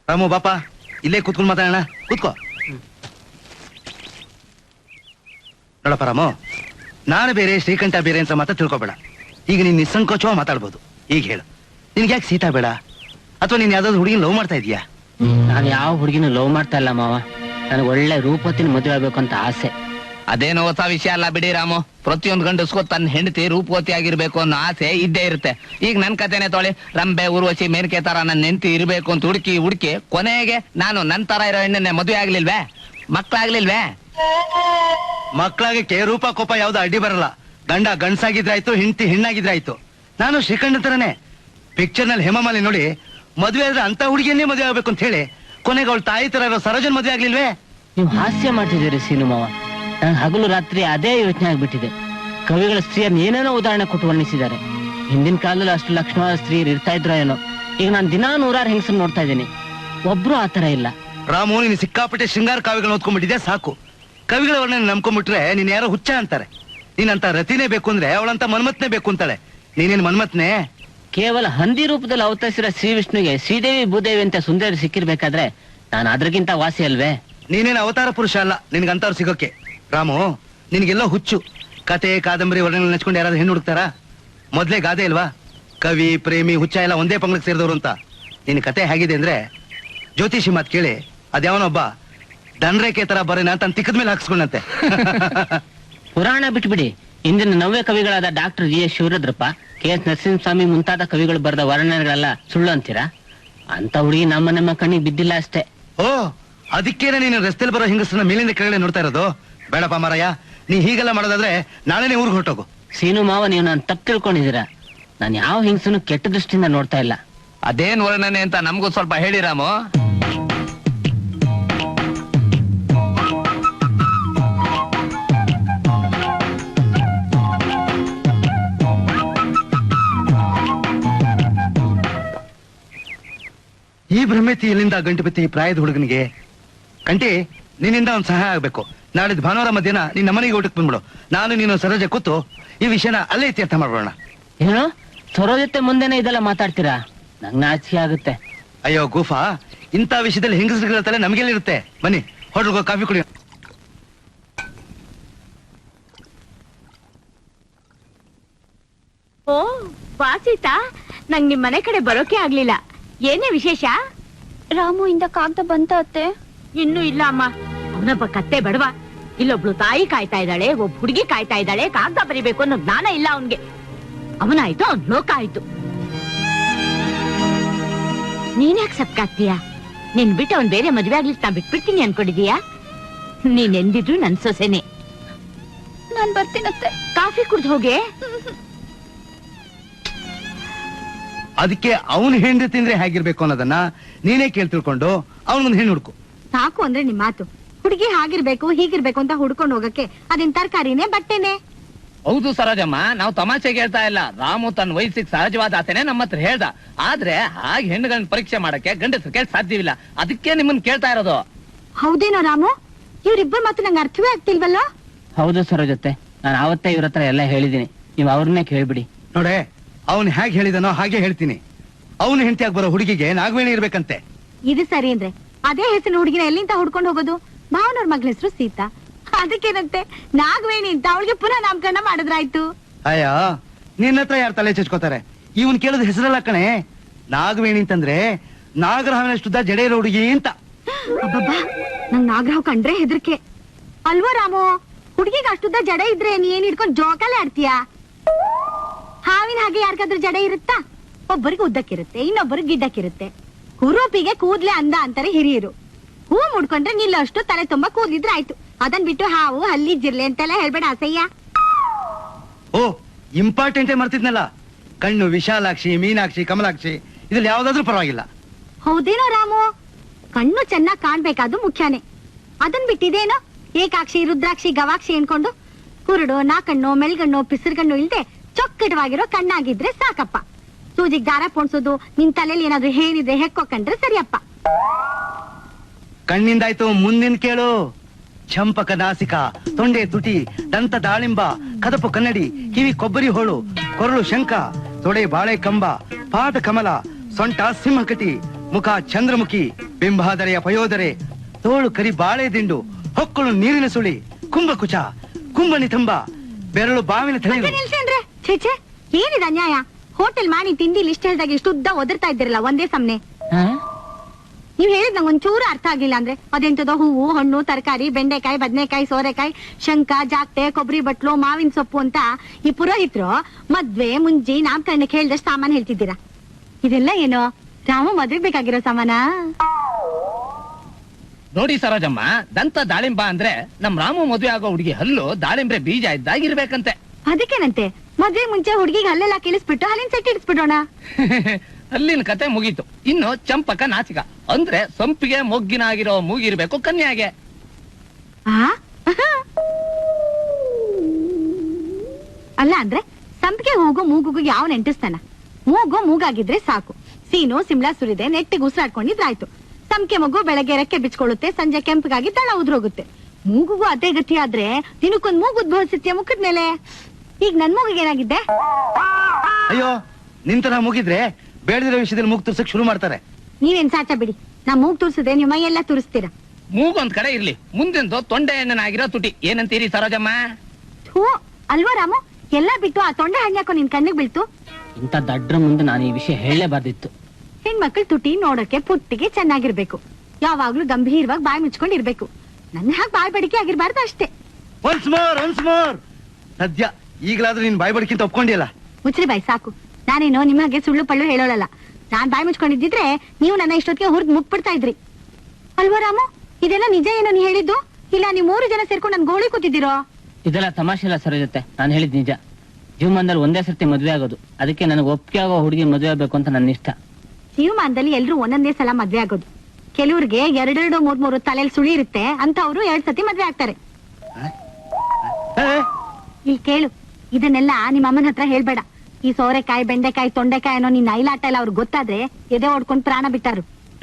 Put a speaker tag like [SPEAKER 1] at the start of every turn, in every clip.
[SPEAKER 1] ರಾಮು ಬಾಪ ಇಲ್ಲೇ ಕೂತ್ಕೊಂಡು ಮಾತಾಡೋಣ, ಕೂತ್ಕೋ. ನೋಡಪ್ಪ ರಾಮು, ನಾನು ಬೇರೆ ಶ್ರೀಕಂಠ ಬೇರೆ ಅಂತ ಮಾತ್ರ ತಿಳ್ಕೊಬೇಡ. ಈಗ ನೀನ್ ನಿಸ್ಸಂಕೋಚವಾಗಿ ಮಾತಾಡ್ಬೋದು. ಈಗ ಹೇಳು, ನಿನ್ಗೆ ಯಾಕೆ ಸೀತಾ ಬೇಡ? ಅಥವಾ ನೀನ್ ಯಾವ್ದಾದ್ರು ಹುಡುಗಿನ ಲವ್ ಮಾಡ್ತಾ ಇದೀಯಾ?
[SPEAKER 2] ನಾನು ಯಾವ ಹುಡುಗಿನ ಲವ್ ಮಾಡ್ತಾ ಇಲ್ಲ ಮಾವ. ನನಗೆ ಒಳ್ಳೆ ರೂಪವತಿನ ಮದುವೆ ಆಗ್ಬೇಕು ಅಂತ ಆಸೆ.
[SPEAKER 3] ಅದೇನು ಹೊಸ ವಿಷಯ ಅಲ್ಲ ಬಿಡಿ ರಾಮು. ಪ್ರತಿಯೊಂದು ಗಂಡಸ್ಕೋ ತನ್ನ ಹೆಂಡತಿ ರೂಪವತಿ ಆಗಿರ್ಬೇಕು ಅನ್ನೋ ಆಸೆ ಇದ್ದೇ ಇರುತ್ತೆ. ಈಗ ನನ್ ಕತೆನೆ ತೊಳಿ, ರಂಬೆ ಊರ್ವಶಿ ಮೇನಕೆ ತರ ನನ್ನ ಹೆಂಡತಿ ಇರ್ಬೇಕು ಅಂತ ಹುಡುಕಿ ಕೊನೆಗೆ ನಾನು ನನ್ ತರ ಇರೋ ಹೆಣ್ಣನ್ನೇ ಮದುವೆ ಆಗ್ಲಿಲ್ವೇ? ಮಕ್ಳಾಗ್ಲಿಲ್ವೇ?
[SPEAKER 1] ಮಕ್ಳಾಗಕ್ಕೆ ರೂಪ ಕೋಪ ಯಾವ್ದು ಅಡ್ಡಿ ಬರಲ್ಲ. ಗಂಡ ಗಂಡ್ಸಾಗಿದ್ರಾಯ್ತು, ಹೆಂಡತಿ ಹೆಣ್ಣಾಗಿದ್ರಾಯ್ತು. ನಾನು ಶ್ರೀಕಂಠ ತರನೇ ಪಿಕ್ಚರ್ ನಲ್ಲಿ ಹೇಮಮಾಲಿ ನೋಡಿ ಮದುವೆ ಆದ್ರೆ ಅಂತ ಹುಡುಗಿಯನ್ನೇ ಮದುವೆ ಆಗ್ಬೇಕು ಅಂತ ಹೇಳಿ ಕೊನೆಗೆ ಅವಳ ತಾಯಿ ತರ ಇರೋ ಸರೋಜನ್ ಮದುವೆ ಆಗ್ಲಿಲ್ವೇ?
[SPEAKER 2] ನೀವು ಹಾಸ್ಯ ಮಾಡ್ತಿದ್ದೀರಿ ಸೀನು ಮಾವ. ನಂಗೆ ಹಗಲು ರಾತ್ರಿ ಅದೇ ಯೋಚನೆ ಆಗ್ಬಿಟ್ಟಿದೆ. ಕವಿಗಳ ಸ್ತ್ರೀಯರ್ನ ಏನೇನೋ ಉದಾಹರಣೆ ಕೊಟ್ಟು ವರ್ಣಿಸಿದ್ದಾರೆ. ಹಿಂದಿನ ಕಾಲದಲ್ಲಿ ಅಷ್ಟು ಲಕ್ಷಣವಾದ ಸ್ತ್ರೀಯರು ಇರ್ತಾ ಇದ್ರೋ ಏನೋ. ಈಗ ನಾನು ದಿನಾ 100 ಹೆಂಗಸರು ನೋಡ್ತಾ ಇದ್ದೀನಿ, ಒಬ್ರು ಆತರ ಇಲ್ಲ.
[SPEAKER 1] ರಾಮು, ನೀನು ಸಿಕ್ಕಾಪಟ್ಟೆ ಶೃಂಗಾರ ಕಾವ್ಯಗಳನ್ನ ಓದ್ಕೊಂಡ್ಬಿಟ್ಟಿದೆ ಸಾಕು. ಕವಿಗಳ ವರ್ಣನೆ ನಂಬ್ಕೊಂಡ್ಬಿಟ್ರೆ ನೀನ್ ಯಾರೋ ಹುಚ್ಚ ಅಂತಾರೆ. ನೀನಂತ ರತಿನೇ ಬೇಕು ಅಂದ್ರೆ ಅವಳಂತ ಮನ್ಮತ್ನೇ ಬೇಕು ಅಂತಾಳೆ. ನೀನೇನ್ ಮನ್ಮತ್ನೇ?
[SPEAKER 2] ಕೇವಲ ಹಂದಿ ರೂಪದಲ್ಲಿ ಅವತರಿಸಿರೋ ಶ್ರೀ ವಿಷ್ಣುಗೆ ಶ್ರೀದೇವಿ ಭೂದೇವಿ ಅಂತ ಸುಂದರಿ ಸಿಕ್ಕಿರ್ಬೇಕಾದ್ರೆ ನಾನು ಅದ್ರಗಿಂತ ವಾಸಿ ಅಲ್ವೇ?
[SPEAKER 1] ನೀನೇನು ಅವತಾರ ಪುರುಷ ಅಲ್ಲ ನಿನ್ಗಂತವ್ರು ಸಿಗೋಕೆ. ರಾಮು, ನಿನ್ಗೆಲ್ಲೋ ಹುಚ್ಚು. ಕತೆ ಕಾದಂಬರಿ ವರ್ಣನೆ ನೆಚ್ಕೊಂಡು ಯಾರಾದ್ರೂ ಹೆಣ್ಣು ಹುಡುಕ್ತಾರ? ಮೊದ್ಲೇ ಗಾದೆ ಇಲ್ವಾ, ಕವಿ ಪ್ರೇಮಿ ಹುಚ್ಚ ಎಲ್ಲ ಒಂದೇ ಪಂಗಡಕ್ಕೆ ಸೇರಿದವರು ಅಂತ. ನಿನ್ ಕತೆ ಹೇಗಿದೆ ಅಂದ್ರೆ, ಜ್ಯೋತಿಷಿ ಮಾತ್ ಕೇಳಿ ಅದ್ಯಾವನೊಬ್ಬ ದಂಡ್ರೇಖೆ ತರ ಬರೇನ ಅಂತ ತಿಕ್ಕದ ಮೇಲೆ ಹಾಕ್ಸ್ಕೊಂಡಂತೆ.
[SPEAKER 2] ಪುರಾಣ ಬಿಟ್ಬಿಡಿ. ಇಂದಿನ ನವ್ಯ ಕವಿಗಳಾದ doctor G S Shivarudrappa, K S Narasimhaswamy ಮುಂತಾದ ಕವಿಗಳು ಬರೆದ ವರ್ಣನೆಗಳೆಲ್ಲ ಸುಳ್ಳು ಅಂತೀರಾ? ಅಂತ ಹುಡುಗಿ ನಮ್ಮ ಕಣ್ಣಿಗೆ ಬಿದ್ದಿಲ್ಲ ಅಷ್ಟೇ.
[SPEAKER 1] ಓ, ಅದಕ್ಕೇನೆ ನೀನು ರಸ್ತೆಯಲ್ಲಿ ಬರೋ ಹಿಂಗಸನ್ನ ಮೇಲಿಂದ ಕೆಳಗಡೆ ನೋಡ್ತಾ ಇರೋದು? ಬೇಡಪ್ಪ ಮಾರಯ್ಯ, ನೀ ಹೀಗೆಲ್ಲ ಮಾಡೋದಾದ್ರೆ ನಾಳೆನೇ ಊರಿಗೆ ಹೊರಟೋಗು.
[SPEAKER 2] ಸೀನು ಮಾವ, ನೀವು ನಾನು ತಪ್ಪು ತಿಳ್ಕೊಂಡಿದ್ದೀರಾ. ನಾನು ಯಾವ ಹಿಂಗಸನ್ನು ಕೆಟ್ಟ ದೃಷ್ಟಿಯಿಂದ ನೋಡ್ತಾ ಇಲ್ಲ.
[SPEAKER 3] ಅದೇನ್ ವರ್ಣನೆ ಅಂತ ನಮಗೂ ಸ್ವಲ್ಪ ಹೇಳಿ ರಾಮು.
[SPEAKER 1] ಈ ಭ್ರಮೆತಿ ಎಲ್ಲಿಂದ ಗಂಟುಪತಿ ಪ್ರಾಯದ ಹುಡುಗನಿಗೆ? ಕಂಟಿ, ನಿನ್ನಿಂದ ಒಂದು ಸಹಾಯ ಆಗ್ಬೇಕು. ನಾಳಿದ್ದು ಭಾನುವಾರ ಮಧ್ಯಾಹ್ನ ನಿನ್ನ ಮನೆಗೆ ಊಟಕ್ಕೆ ಬಂದ್ಬಿಡು. ನಾನು ನೀನು ಸರೋಜ ಕೂತು ಈ ವಿಷಯನ ಅಲ್ಲೇ ಇತ್ಯರ್ಥ ಮಾಡ್ಬೋಣ.
[SPEAKER 2] ಏನು ಸರೋಜತೆ ಮುಂದೆನೆ ಇದೆಲ್ಲ ಮಾತಾಡ್ತೀರಾ? ನಂಗೆ ನಾಚಿಕೆ ಆಗುತ್ತೆ.
[SPEAKER 1] ಅಯ್ಯೋ ಗೂಫಾ, ಇಂಥ ವಿಷಯದಲ್ಲಿ ಹೆಂಗಸರುಗಳ ತಲೆ ನಮಗೆಲ್ಲಿರುತ್ತೆ. ಬನ್ನಿ ಹೋಟೆಲ್ಗೆ ಕಾಫಿ ಕುಡಿ.
[SPEAKER 4] ಓ ವಾಸಿತಾ, ನಂಗ್ ನಿಮ್ ಮನೆ ಕಡೆ ಬರೋಕೆ ಆಗ್ಲಿಲ್ಲ. ಏನೇ ವಿಶೇಷ?
[SPEAKER 5] ರಾಮು ಇಂದ ಕಾಗ್ದ ಬಂತ ಅತ್ತೆ?
[SPEAKER 4] ಇನ್ನೂ ಇಲ್ಲ ಅಮ್ಮ. ಅವನೊಬ್ಬ ಕತ್ತೆ ಬಡವ. ಇಲ್ಲೊಬ್ಳು ತಾಯಿ ಕಾಯ್ತಾ ಇದ್ದಾಳೆ, ಒಬ್ಬ ಹುಡುಗಿ ಕಾಯ್ತಾ ಇದ್ದಾಳೆ. ಕಾಗ್ದ ಬರಿಬೇಕು ಅನ್ನೋ ಜ್ಞಾನ ಇಲ್ಲ ಅವನ್ಗೆ. ಅವನಾಯ್ತು, ಅವ್ನ್ ಲೋಕ ಆಯ್ತು. ನೀನ್ ಯಾಕೆ ಸಪ್ಕಾಗ್ತೀಯಾ? ನಿನ್ ಬಿಟ್ಟು ಅವ್ನ್ ಬೇರೆ ಮದ್ವೆ ಆಗ್ಲಿಕ್ಕೆ ನಾ ಬಿಟ್ಬಿಡ್ತೀನಿ ಅನ್ಕೊಂಡಿದೀಯಾ? ನೀನ್ ಎಂದಿದ್ರು ನನ್ ಸೊಸೆನೆ.
[SPEAKER 5] ನಾನ್ ಬರ್ತೀನತ್ತೆ.
[SPEAKER 4] ಕಾಫಿ ಕುಡ್ದು ಹೋಗೆ.
[SPEAKER 1] ಅದಕ್ಕೆ ಅವನು ಹೆಂಡತಿ ತಿಂದ್ರೆ ಹೇಗಿರ್ಬೇಕು ಅನ್ನೋದನ್ನ ನೀನೇ ಕೇಳಿ ತಿಳ್ಕೊಂಡು ಅವನೊಂದು ಹೆಣ್ಣು ಹುಡುಕು.
[SPEAKER 5] ಸಾಕು ಅಂದ್ರೆ ನಿಮ್ ಮಾತು. ಹುಡುಗಿ ಹಾಗಿರ್ಬೇಕು ಹೀಗಿರ್ಬೇಕು ಅಂತ ಹುಡ್ಕೊಂಡು ಹೋಗಕ್ಕೆ ಅದೇನ್ ತರಕಾರಿನೇ ಬಟ್ಟೆನೆ?
[SPEAKER 3] ಹೌದು ಸರೋಜಮ್ಮ, ನಾವು ತಮಾಷೆಗೆ ಹೇಳ್ತಾ ಇಲ್ಲ. ರಾಮು ತನ್ನ ವಯಸ್ಸಿಗೆ ಸಹಜವಾದ ಆತನೇ ನಮ್ಮ ಹತ್ರ ಹೇಳ್ದ. ಆದ್ರೆ ಹಾಗೆ ಹೆಣ್ಣುಗಳನ್ನ ಪರೀಕ್ಷೆ ಮಾಡಕ್ಕೆ ಗಂಡಸರು ಕೇಳಿ ಸಾಧ್ಯವಿಲ್ಲ. ಅದಕ್ಕೆ ನಿಮ್ಮನ್ನ ಕೇಳ್ತಾ ಇರೋದು.
[SPEAKER 5] ಹೌದೇನೋ ರಾಮು? ಇವ್ರಿಬ್ಬರು ಮಾತು ನಂಗೆ ಅರ್ಥವೇ ಆಗ್ತಿಲ್ವಲ್ಲ?
[SPEAKER 2] ಹೌದು ಸರೋಜತೆ, ನಾನು ಅವತ್ತೇ ಇವ್ರ ಹತ್ರ ಎಲ್ಲ ಹೇಳಿದೀನಿ. ನೀವು ಅವ್ರನ್ನೇ ಕೇಳ್ಬಿಡಿ.
[SPEAKER 1] ನೋಡೆ, ಅವನು ಹೇಗೆ ಹೇಳಿದನೋ ಹಾಗೆ ಹೇಳ್ತೀನಿ. ಅವನು ಹೆಂಡತಿಯಾಗಿ ಬರೋ ಹುಡುಗಿಗೆ ನಾಗವೇಣಿ ಇರ್ಬೇಕಂತೆ.
[SPEAKER 5] ಇದು ಸರಿ ಅಂದ್ರೆ ಅದೇ ಹೆಸರು ಹುಡುಗಿನ ಎಲ್ಲಿಂದ ಹುಡ್ಕೊಂಡು ಹೋಗೋದು? ಭಾವನವ್ರ ಮಗಳ ಹೆಸರು ಸೀತಾ. ಅದಕ್ಕೇನಂತೆ ನಾಗವೇಣಿ ಅಂತ ಅವಳಿಗೆ ಪುನಃ ನಾಮಕರಣ ಮಾಡಿದ್ರಾಯ್ತು.
[SPEAKER 1] ಅಯ್ಯ, ನಿನ್ನ ಹತ್ರ ಯಾರು ತಲೆ ಚಚ್ಕೋತಾರೆ? ಇವನ್ ಕೇಳೋದು ಹೆಸರಲ್ಲ ಕಣೆ. ನಾಗವೇಣಿ ಅಂತಂದ್ರೆ ನಾಗರಹಾವಿನಷ್ಟುದ್ದ ಜಡೆ ಇರೋ ಹುಡುಗಿ ಅಂತ.
[SPEAKER 5] ಅಬ್ಬಬ್ಬಾ, ನಂಗ್ ನಾಗರಾವ್ ಕಂಡ್ರೆ ಹೆದರ್ಕೆ ಅಲ್ವೋ ರಾಮು? ಹುಡುಗಿಗೆ ಅಷ್ಟುದ್ದ ಜಡ ಇದ್ರೆ ನೀ ಏನ್ ಹಿಡ್ಕೊಂಡ್ ಜೋಕಾಲೆ ಆಡ್ತೀಯಾ? ಹಾವಿನ ಹಾಗೆ ಯಾರಿಗಾದ್ರೂ ಜಡ ಇರುತ್ತಾ? ಒಬ್ಬರಿಗೆ ಉದ್ದಕ್ಕಿರುತ್ತೆ, ಇನ್ನೊಬ್ಬರಿಗೆ ಗಿಡ್ಡಕ್ಕಿರುತ್ತೆ. ಹುರುಪಿಗೆ ಕೂದ್ಲೆ ಅಂದ ಅಂತಾರೆ ಹಿರಿಯರು. ಹೂ ಮುಡ್ಕೊಂಡ್ರೆ ನಿಲ್ಲಷ್ಟು ತಲೆ ತುಂಬಾ ಕೂದ್ಲಿದ್ರೆ ಆಯ್ತು. ಅದನ್ ಬಿಟ್ಟು ಹಾವು ಹಲ್ಲಿ ಜಿರ್ಲೆ ಅಂತೆಲ್ಲ ಹೇಳ್ಬೇಡ ಅಸಯ್ಯ.
[SPEAKER 1] ಓ, ಇಂಪಾರ್ಟೆಂಟೇ ಮರ್ತಿದ್ನಲ್ಲ. ಕಣ್ಣು ವಿಶಾಲಾಕ್ಷಿ, ಮೀನಾಕ್ಷಿ, ಕಮಲಾಕ್ಷಿ ಇದ್ರಲ್ಲಿ ಯಾವ್ದಾದ್ರೂ ಪರವಾಗಿಲ್ಲ.
[SPEAKER 5] ಹೌದೇನೋ ರಾಮು? ಕಣ್ಣು ಚೆನ್ನಾಗ್ ಕಾಣ್ಬೇಕಾದ್ದು ಮುಖ್ಯನೇ. ಅದನ್ ಬಿಟ್ಟಿದೇನೋ ಏಕಾಕ್ಷಿ, ರುದ್ರಾಕ್ಷಿ, ಗವಾಕ್ಷಿ ಅನ್ಕೊಂಡು ಕುರುಡು, ನಾಕಣ್ಣು, ಮೆಲ್ಗಣ್ಣು, ಪಿಸರ್ಗಣ್ಣು ಇಲ್ದೆ ಚೊಕ್ಕಟವಾಗಿರೋ ಕಣ್ಣಾಗಿದ್ರೆ ಸಾಕಪ್ಪ. ಸೂಜಿಗ್ ದಾರ ಪೋಣ್ಸೋದು, ನಿನ್ ತಲೆಯಲ್ಲಿ ಏನಾದ್ರು ಹೇಳಿದ್ರೆ ಹೆಕ್ಕೊಂಡ್ರೆ ಸರಿಯಪ್ಪ.
[SPEAKER 1] ಕಣ್ಣಿಂದಾಯ್ತು, ಮುಂದಿನ ಕೇಳು. ಚಂಪಕ ನಾಸಿಕ, ತೊಂಡೆ ತುಟಿ, ದಂತ ದಾಳಿಂಬ, ಕದಪು ಕನ್ನಡಿ, ಕಿವಿ ಕೊಬ್ಬರಿ ಹೋಳು, ಕೊರಳು ಶಂಖ, ತೊಡೆ ಬಾಳೆ ಕಂಬ, ಪಾದ ಕಮಲ, ಸೊಂಟ ಸಿಂಹಕಟಿ, ಮುಖ ಚಂದ್ರಮುಖಿ, ಬಿಂಬಾದರೆಯ ಪಯೋದರೆ ತೋಳು ಕರಿ ಬಾಳೆ ದಿಂಡು ಹೊಕ್ಕಳು ನೀರಿನ ಸುಳಿ ಕುಂಭಕುಚ ಕುಂಭನಿತಂಬ ಬೆರಳು ಬಾವಿನ ತಲೆ
[SPEAKER 5] ನಿಲ್ಸೇನ್ರೆ ಛೇ ಏನಿದೆ ಅನ್ಯಾಯ? ಹೋಟೆಲ್ ಮಾಡಿ ತಿಂಡಿ ಲಿಸ್ಟ್ ಹೇಳಿದಾಗ ಇಷ್ಟು ಉದ್ದ ಒದರ್ತಾ ಇದ್ದೀರಲ್ಲ ಒಂದೇ ಸಮನೆ. ನೀವ್ ಹೇಳಿದ್ ನಂಗೆ ಒಂಚೂರು ಅರ್ಥ ಆಗಿಲ್ಲ ಅಂದ್ರೆ ಅದೆಂತದೋ ಹೂವು ಹಣ್ಣು ತರಕಾರಿ ಬೆಂಡೆಕಾಯಿ ಬದನೆಕಾಯಿ ಸೋರೆಕಾಯಿ ಶಂಕ ಜಾಕ್ಟೆ ಕೊಬ್ಬರಿ ಬಟ್ಲು ಮಾವಿನ ಸೊಪ್ಪು ಅಂತ ಈ ಪುರೋಹಿತರು ಮದ್ವೆ ಮುಂಜಿ ನಾಮಕರಣಕ್ಕೆ ಹೇಳ್ದಷ್ಟು ಸಾಮಾನ್ ಹೇಳ್ತಿದ್ದೀರಾ. ಇದೆಲ್ಲ ಏನೋ ರಾಮ ಮದ್ವೆಗ್ ಬೇಕಾಗಿರೋ ಸಾಮಾನ?
[SPEAKER 3] ನೋಡಿ ಸರೋಜಮ್ಮ, ದಂತ ದಾಳಿಂಬ ಅಂದ್ರೆ ನಮ್ ರಾಮು ಮದುವೆ ಆಗೋ ಹುಡುಗಿ ಹಲ್ಲು ದಾಳಿಂಬ್ರೆ ಬೀಜ ಇದ್ದಾಗಿರ್ಬೇಕಂತೆ.
[SPEAKER 5] ಅದಕ್ಕೇನಂತೆ ಮದ್ವೆ ಮುಂಚೆ ಹುಡುಗಿಗೆ ಹಲ್ಲೆಲ್ಲ ಕಿಳಿಸ್ಬಿಟ್ಟು ಹಲ್ಲಿನ ಸೆಟ್ ಇಡಿಸ್ಬಿಡೋಣ.
[SPEAKER 3] ಅಲ್ಲಿನ ಕತೆ ಮುಗೀತು. ಇನ್ನು ಚಂಪಕ ನಾಚಿಕ ಅಂದ್ರೆ ಸಂಪಿಗೆ ಮೊಗ್ಗಿನ ಆಗಿರೋ ಮೂಗಿರ್ಬೇಕು ಕನ್ಯಾಗೆ.
[SPEAKER 5] ಅಲ್ಲ ಅಂದ್ರೆ ಸಂಪಿಗೆ ಹೂಗು ಮೂಗುಗೂ ಯಾವ ನೆಂಟಿಸ್ತಾನ? ಮೂಗು ಮೂಗಾಗಿದ್ರೆ ಸಾಕು. ಸೀನು ಸಿಮ್ಲಾ ಸುರಿದೆ ನೆಟ್ಟಿಗೆ ಉಸಿರಾಡ್ಕೊಂಡಿದ್ರಾಯ್ತು. ಸಂಪಿಗೆ ಮಗು ಬೆಳಗ್ಗೆ ರೆಕ್ಕೆ ಬಿಚ್ಕೊಳ್ಳುತ್ತೆ, ಸಂಜೆ ಕೆಂಪಗಾಗಿ ತಳ ಉದ್ರೋಗುತ್ತೆ. ಮೂಗುಗೂ ಅದೇ ಗತಿ ಆದ್ರೆ ದಿನಕ್ಕೊಂದ್ ಮೂಗು ಉದ್ಭವಿಸುತ್ತೆ ಮುಖದ ಮೇಲೆ. ಈಗ ನನ್ ಮೂಗಿಗೆ ಏನಾಗಿದ್ದೆ?
[SPEAKER 1] ಅಯ್ಯೋ, ನಿಂತರ ಮುಗಿದ್ರೆ ಬೇಡದಿರೋ ವಿಷಯದಲ್ಲಿ ಮೂಗ್ ತುರ್ಸಕ್ ಶುರು ಮಾಡ್ತಾರೆ.
[SPEAKER 5] ನೀವೇನ್ ಸಾಚ ಬಿಡಿ, ನಾ ಮೂಗ್ ತೋರ್ಸಿದ್ರೆ ನಿಮ್ಮ ಮೈ ಎಲ್ಲ ತೋರಿಸ್ತೀರಾ.
[SPEAKER 3] ಮೂಗೊಂದ್ ಕಡೆ ಇರ್ಲಿ, ಮುಂದೆಂದು ತೊಂಡೆ ಹಣ್ಣನಾಗಿರೋ ತುಟಿ. ಏನಂತೀರಿ ಸರೋಜಮ್ಮ?
[SPEAKER 5] ಹೂ ಅಲ್ವಾ ರಾಮು, ಎಲ್ಲಾ ಬಿಟ್ಟು ಆ ತೊಂಡೆ ಹಣ್ಣಾಕೋ ನಿನ್ ಕಣ್ಣಿಗೆ ಬೀಳ್ತು.
[SPEAKER 2] ಇಂಥ ದಡ್ರ ಮುಂದೆ ನಾನು ಈ ವಿಷಯ ಹೇಳಲೇಬಾರ್ದಿತ್ತು.
[SPEAKER 5] ಹೆಣ್ಮಕ್ಳು ತುಟಿ ನೋಡಕ್ಕೆ ಪುಟ್ಟಿಗೆ ಚೆನ್ನಾಗಿರ್ಬೇಕು, ಯಾವಾಗ್ಲೂ ಗಂಭೀರವಾಗಿ ಬಾಯಿ ಮುಚ್ಕೊಂಡಿರ್ಬೇಕು. ನನ್ನ ಹಾಗೆ ಬಾಯಿ ಬಡಿಕೆ ಆಗಿರ್ಬಾರ್ದು ಅಷ್ಟೇ.
[SPEAKER 1] ಒನ್ಸ್ ಮೋರ್ ಸದ್ಯ ಈಗಲಾದ್ರೂ ನೀನ್ ಬಾಯ್ ಬಡ್ಕಿಂತ ಒಪ್ಕೊಂಡಿಯಲ್ಲ.
[SPEAKER 5] ಮುಚ್ಚ್ರಿ ಬಾಯಿ ಸಾಕು. ನಾನೇನೋ ನಿಮ್ಮ ಹಾಗೆ ಸುಳ್ಳು ಪಳ್ಳು ಹೇಳೋಳಲ್ಲ. ನಾನ್ ಬಾಯಿ ಮುಚ್ಕೊಂಡಿದ್ದಿದ್ರೆ ನೀವು ನನ್ನ ಇಷ್ಟೊತ್ತಿಗೆ ಹುರಿದ್ ಮುಗ್ಬಿಡ್ತಾ ಇದ್ರಿ ಅಲ್ವಾ ರಾಮು? ಇದೆಲ್ಲ ನಿಜ ಏನೋ ನೀ ಹೇಳಿದ್ದು? ಇಲ್ಲ ನೀವು 3 ಜನ ಸೇರ್ಕೊಂಡು ನನ್ ಗೋಳಿ ಕೂತಿದ್ದೀರೋ?
[SPEAKER 2] ಇದೆಲ್ಲ ತಮಾಷೆ ಇಲ್ಲ ಸರೋಜತೆ, ನಾನು ಹೇಳಿದ್ ನಿಜ. ಜೀವಮಾನದಲ್ಲಿ ಒಂದೇ ಸರ್ತಿ ಮದ್ವೆ ಆಗೋದು, ಅದಕ್ಕೆ ನನಗೆ ಒಪ್ಪಿಗೆ ಆಗೋ ಹುಡುಗಿ ಮದುವೆ ಆಗ್ಬೇಕು ಅಂತ ನನ್ನ ಇಷ್ಟ.
[SPEAKER 5] ಜೀವಮಾನದಲ್ಲಿ ಎಲ್ರು ಒಂದೊಂದೇ ಸಲ ಮದ್ವೆ ಆಗೋದು. ಕೆಲವ್ರಿಗೆ 2-2, 3-3 ತಲೆಯಲ್ಲಿ ಸುಳಿ ಇರುತ್ತೆ ಅಂತ ಅವರು 2 ಸತಿ ಮದ್ವೆ ಆಗ್ತಾರೆ. ಇಲ್ಲಿ ಕೇಳು, ಇದನ್ನೆಲ್ಲ ನಿಮ್ಮ ಅಮ್ಮನ ಹತ್ರ ಹೇಳ್ಬೇಡ. ಈ ಸೋರೆಕಾಯಿ ಬೆಂಡೆಕಾಯಿ ತೊಂಡೆಕಾಯಿ ಅನ್ನೋ ನಿನ್ನ ಐಲಾಟ ಎಲ್ಲ ಅವ್ರಿಗೆ ಗೊತ್ತಾದ್ರೆ ಎದೆ ಹೊಡ್ಕೊಂಡು ಪ್ರಾಣ ಬಿಟ್ಟಾರು.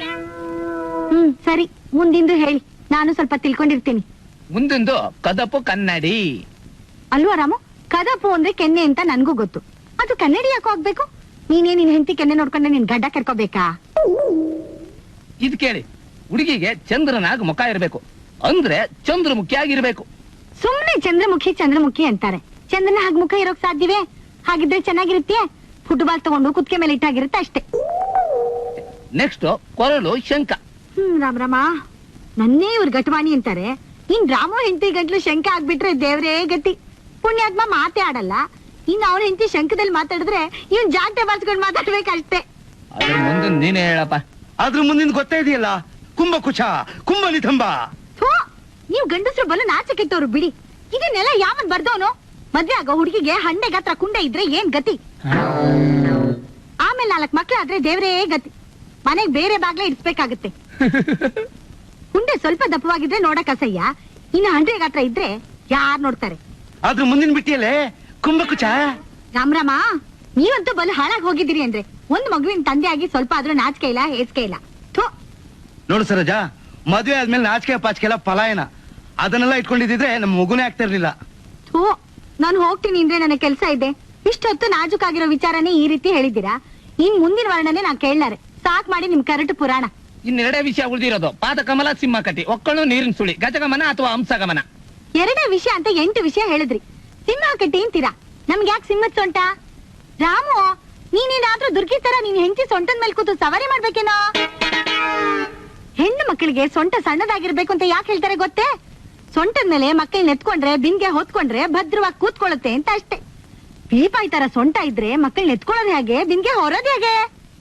[SPEAKER 5] ಸರಿ, ಮುಂದಿಂದು ಹೇಳಿ, ನಾನು ಸ್ವಲ್ಪ ತಿಳ್ಕೊಂಡಿರ್ತೀನಿ.
[SPEAKER 3] ಮುಂದೊಂದು ಕದಪು ಕನ್ನಡಿ
[SPEAKER 5] ಅಲ್ವಾ ರಾಮು? ಕದಪು ಅಂದ್ರೆ ಕೆನ್ನೆ ಅಂತ ನನ್ಗೂ ಗೊತ್ತು. ಅದು ಕನ್ನಡಿ ಯಾಕೋ ಆಗ್ಬೇಕು? ನೀನೇ ನಿನ್ ಹೆಂಡತಿ ಕೆನ್ನೆ ನೋಡ್ಕೊಂಡೆ ನಿನ್ ಗಡ್ಡ ಕೆರ್ಕೋಬೇಕಾ?
[SPEAKER 3] ಇದ್ ಕೇಳಿ, ಹುಡುಗಿಗೆ ಚಂದ್ರನಾಗ ಮುಖ ಇರ್ಬೇಕು ಅಂದ್ರೆ ಚಂದ್ರಮುಖಿ ಆಗಿರ್ಬೇಕು.
[SPEAKER 5] ಸುಮ್ನೆ ಚಂದ್ರಮುಖಿ ಅಂತಾರೆ. ಚಂದ್ರನ ಹಾಗೆ ಮುಖ ಇರೋಕ್ ಸಾಧ್ಯವೇ? ಹಾಗಿದ್ರೆ ಚೆನ್ನಾಗಿರುತ್ತೆ. ಫುಟ್ಬಾಲ್ ತಗೊಂಡು ಕುತ್ತಿಗೆ ಮೇಲೆ ಇಟ್ಟಾಗಿರುತ್ತೆ ಅಷ್ಟೇ.
[SPEAKER 3] ನೆಕ್ಸ್ಟ್ ಕೊರಳು ಶಂಕ.
[SPEAKER 5] ರಾಮ ನನ್ನೇ ಇವ್ರ ಗಟವಾಣಿ ಅಂತಾರೆ. ಇನ್ ರಾಮು ಹೆಂಡತಿ ಗಂಟ್ಲು ಶಂಕ ಆಗ್ಬಿಟ್ರೆ ದೇವ್ರೇ ಗತಿ. ಪುಣ್ಯಾತ್ಮ ಮಾತೇ ಆಡಲ್ಲ. ಇನ್ ಅವ್ರ ಹೆಂಡತಿ ಶಂಕದಲ್ಲಿ ಮಾತಾಡಿದ್ರೆ ಇವನ್ ಜಾಗಟೆ ಬಾರ್ಸ್ಕೊಂಡ್ ಮಾತಾಡ್ಬೇಕಷ್ಟೇ.
[SPEAKER 3] ಅದ್ರ ಮುಂದೆ ನೀನೇ ಹೇಳಪ್ಪ.
[SPEAKER 1] ಅದ್ರ ಮುಂದಿನ ಗೊತ್ತೇ ಇದೆಯಲ್ಲ, ಕುಂಭಕುಚ ಕುಂಭನಿತಂಬ.
[SPEAKER 5] ನೀವ್ ಗಂಡಸ್ರು ಬಲು ನಾಚೆ ಕೆಟ್ಟವ್ರು ಬಿಡಿ. ಇದನ್ನೆಲ್ಲ ಯಾವನ್ ಬರ್ದವನು? ಮದ್ವೆ ಆಗೋ ಹುಡುಗಿಗೆ ಹಂಡೆ ಗಾತ್ರ ಕುಂಡೆ ಇದ್ರೆ ಏನ್ ಗತಿ? ಆಮೇಲೆ 4 ಮಕ್ಳಾದ್ರೆ ದೇವ್ರೇ ಗತಿ. ಮನೆಗ್ ಬೇರೆ ಬಾಗ್ಲೇ ಇಡ್ಸ್ಬೇಕಾಗತ್ತೆ. ಹುಂಡೆ ಸ್ವಲ್ಪ ದಪ್ಪವಾಗಿದ್ರೆ ನೋಡಕ್ ಅಸಹ್ಯ, ಇನ್ನು 100 ಗಾತ್ರ ಇದ್ರೆ ಯಾರ್ ನೋಡ್ತಾರೆ?
[SPEAKER 1] ಅದ್ರ ಮುಂದಿನ ಬಿಟ್ಟಿಯಲ್ಲೇ ಕುಂಭಕುಚ.
[SPEAKER 5] ರಾಮ ನೀವಂತೂ ಬಲು ಹಾಳಾಗಿ ಹೋಗಿದ್ದೀರಿ ಅಂದ್ರೆ ಒಂದ್ ಮಗುವಿನ ತಂದೆ ಆಗಿ ಸ್ವಲ್ಪ ಆದ್ರೂ ನಾಚಿಕೆ ಇಲ್ಲ, ಹೇಸಿಕೆ ಇಲ್ಲ.
[SPEAKER 1] ನೋಡು ಸರೋಜಾ, ಮದ್ವೆ ಆದ್ಮೇಲೆ ನಾಚಿಕೆ ಪಾಚಿಕೆ ಎಲ್ಲ ಪಲಾಯನ. ಅದನ್ನೆಲ್ಲ ಇಟ್ಕೊಂಡಿದ್ರೆ ನಮ್ ಮಗುನೇ ಆಗ್ತಾ ಇರ್ಲಿಲ್ಲ.
[SPEAKER 5] ನಾನು ಹೋಗ್ತೀನಿ ಅಂದ್ರೆ ನನ್ನ ಕೆಲ್ಸ ಇದೆ. ಇಷ್ಟೊತ್ತು ನಾಜುಕಾಗಿರೋ ವಿಚಾರನೇ ಈ ರೀತಿ ಹೇಳಿದ್ದೀರಾ. ಇನ್ ಮುಂದಿನ ವರ್ಣನೆ ನಾನ್ ಕೇಳಲಾರೆ. ಸಾಕ್ ಮಾಡಿ ನಿಮ್ ಕರಟು ಪುರಾಣ.
[SPEAKER 3] ಇನ್ನೆರಡೇ ವಿಷಯ ಉಳಿದಿರೋದು, ಪಾದಕಮಲ ಸಿಂಹ ಕಟ್ಟಿ, ಒಕ್ಕಳು ನೀರಿನ ಸುಳಿ, ಗಜಗಮನ ಅಥವಾ ಹಂಸಗಮನ.
[SPEAKER 5] 2 ವಿಷಯ ಅಂತ 8 ವಿಷಯ ಹೇಳಿದ್ರಿ. ಸಿಂಹ ಕಟ್ಟಿ ಅಂತೀರಾ? ನಮ್ಗೆ ಯಾಕೆ ಸಿಂಹದ ಸೊಂಟ? ರಾಮು, ನೀನೇನಾದ್ರೂ ದುರ್ಗಿ ತರ ನೀನ್ ಹೆಂಡತಿ ಸೊಂಟದ ಮೇಲೆ ಕೂತು ಸವಾರಿ ಮಾಡ್ಬೇಕೇನೋ? ಹೆಣ್ಣು ಮಕ್ಕಳಿಗೆ ಸೊಂಟ ಸಣ್ಣದಾಗಿರ್ಬೇಕು ಅಂತ ಯಾಕೆ ಹೇಳ್ತಾರೆ ಗೊತ್ತೇ? ಸೊಂಟದ ಮೇಲೆ ಮಕ್ಕಳನ್ನ ಎತ್ಕೊಂಡ್ರೆ ಬಿಂಗೆ ಹೊತ್ಕೊಂಡ್ರೆ ಭದ್ರವಾಗಿ ಕೂತ್ಕೊಳ್ಳುತ್ತೆ ಅಂತ ಅಷ್ಟೇ. ಪೀಪಾಯಿ ತರ ಸೊಂಟ ಇದ್ರೆ ಮಕ್ಕಳನ್ನ ಎತ್ಕೊಳ್ಳೋದು ಹೇಗೆ, ಬಿಂಗೆ ಹೊರೋದು ಹೇಗೆ?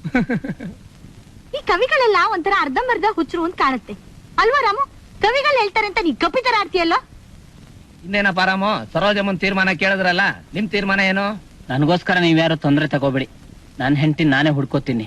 [SPEAKER 5] ಈ ಕವಿಗಳೆಲ್ಲ ಒಂಥರ ಅರ್ಧಂಬರ್ಧ ಹುಚ್ಚರು ಅಂತ ಕಾಣುತ್ತೆ ಅಲ್ವಾ ರಾಮು? ಕವಿಗಳು ಹೇಳ್ತಾರೆ ಅಂತ ನೀ ಕಪಿ ತರ ಆಡ್ತೀಯಲ್ಲೋ.
[SPEAKER 3] ಇನ್ನೇನಪ್ಪ ರಾಮು, ಸರೋಜಮ್ಮನ್ ತೀರ್ಮಾನ ಕೇಳಿದ್ರಲ್ಲ, ನಿಮ್ ತೀರ್ಮಾನ ಏನು?
[SPEAKER 2] ನನಗೋಸ್ಕರ ನೀವ್ಯಾರು ತೊಂದರೆ ತಗೋಬೇಡಿ. ನನ್ನ ಹೆಂಡತಿ ನಾನೇ ಹುಡ್ಕೋತೀನಿ.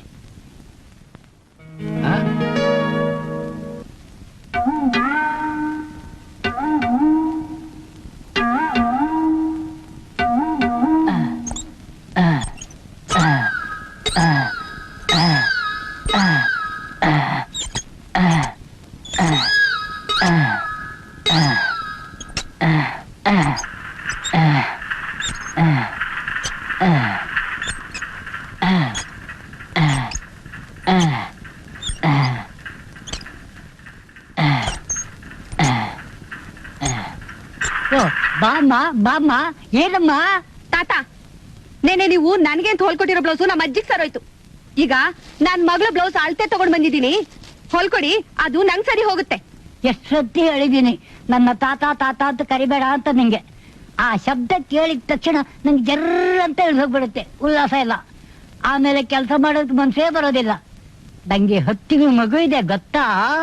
[SPEAKER 5] ಬಾಮ್ಮ ಬಾಮ್ಮ ಏನಮ್ಮ ತಾತ ನೆನೆ ನೀವು ನನಗೆ ಅಂತ ಹೊಲ್ಕೊಟ್ಟಿರೋ ಬ್ಲೌಸು ನಮ್ಮ ಅಜ್ಜಿಗೆ ಸರೋಯ್ತು. ಈಗ ನನ್ ಮಗಳ ಬ್ಲೌಸ್ ಅಳತೆ ತಗೊಂಡ್ ಬಂದಿದ್ದೀನಿ, ಹೊಲ್ಕೊಡಿ, ಅದು ನಂಗ್ ಸರಿ ಹೋಗುತ್ತೆ.
[SPEAKER 6] ಎಷ್ಟು ಸತಿ ಹೇಳಿದೀನಿ ನನ್ನ ತಾತ ತಾತ ಅಂತ ಕರಿಬೇಡ ಅಂತ ನಿಂಗೆ. ಆ ಶಬ್ದ ಕೇಳಿದ ತಕ್ಷಣ ನಂಗೆ ಜರ್ರ ಅಂತ ಹೋಗ್ಬಿಡುತ್ತೆ, ಉಲ್ಲಾಸ ಇಲ್ಲ. ಆಮೇಲೆ ಕೆಲಸ ಮಾಡೋದಕ್ಕೆ ಮನ್ಸೇ ಬರೋದಿಲ್ಲ. ನಂಗೆ 10 ತಿಂಗಳು ಮಗು ಇದೆ ಗೊತ್ತಾ.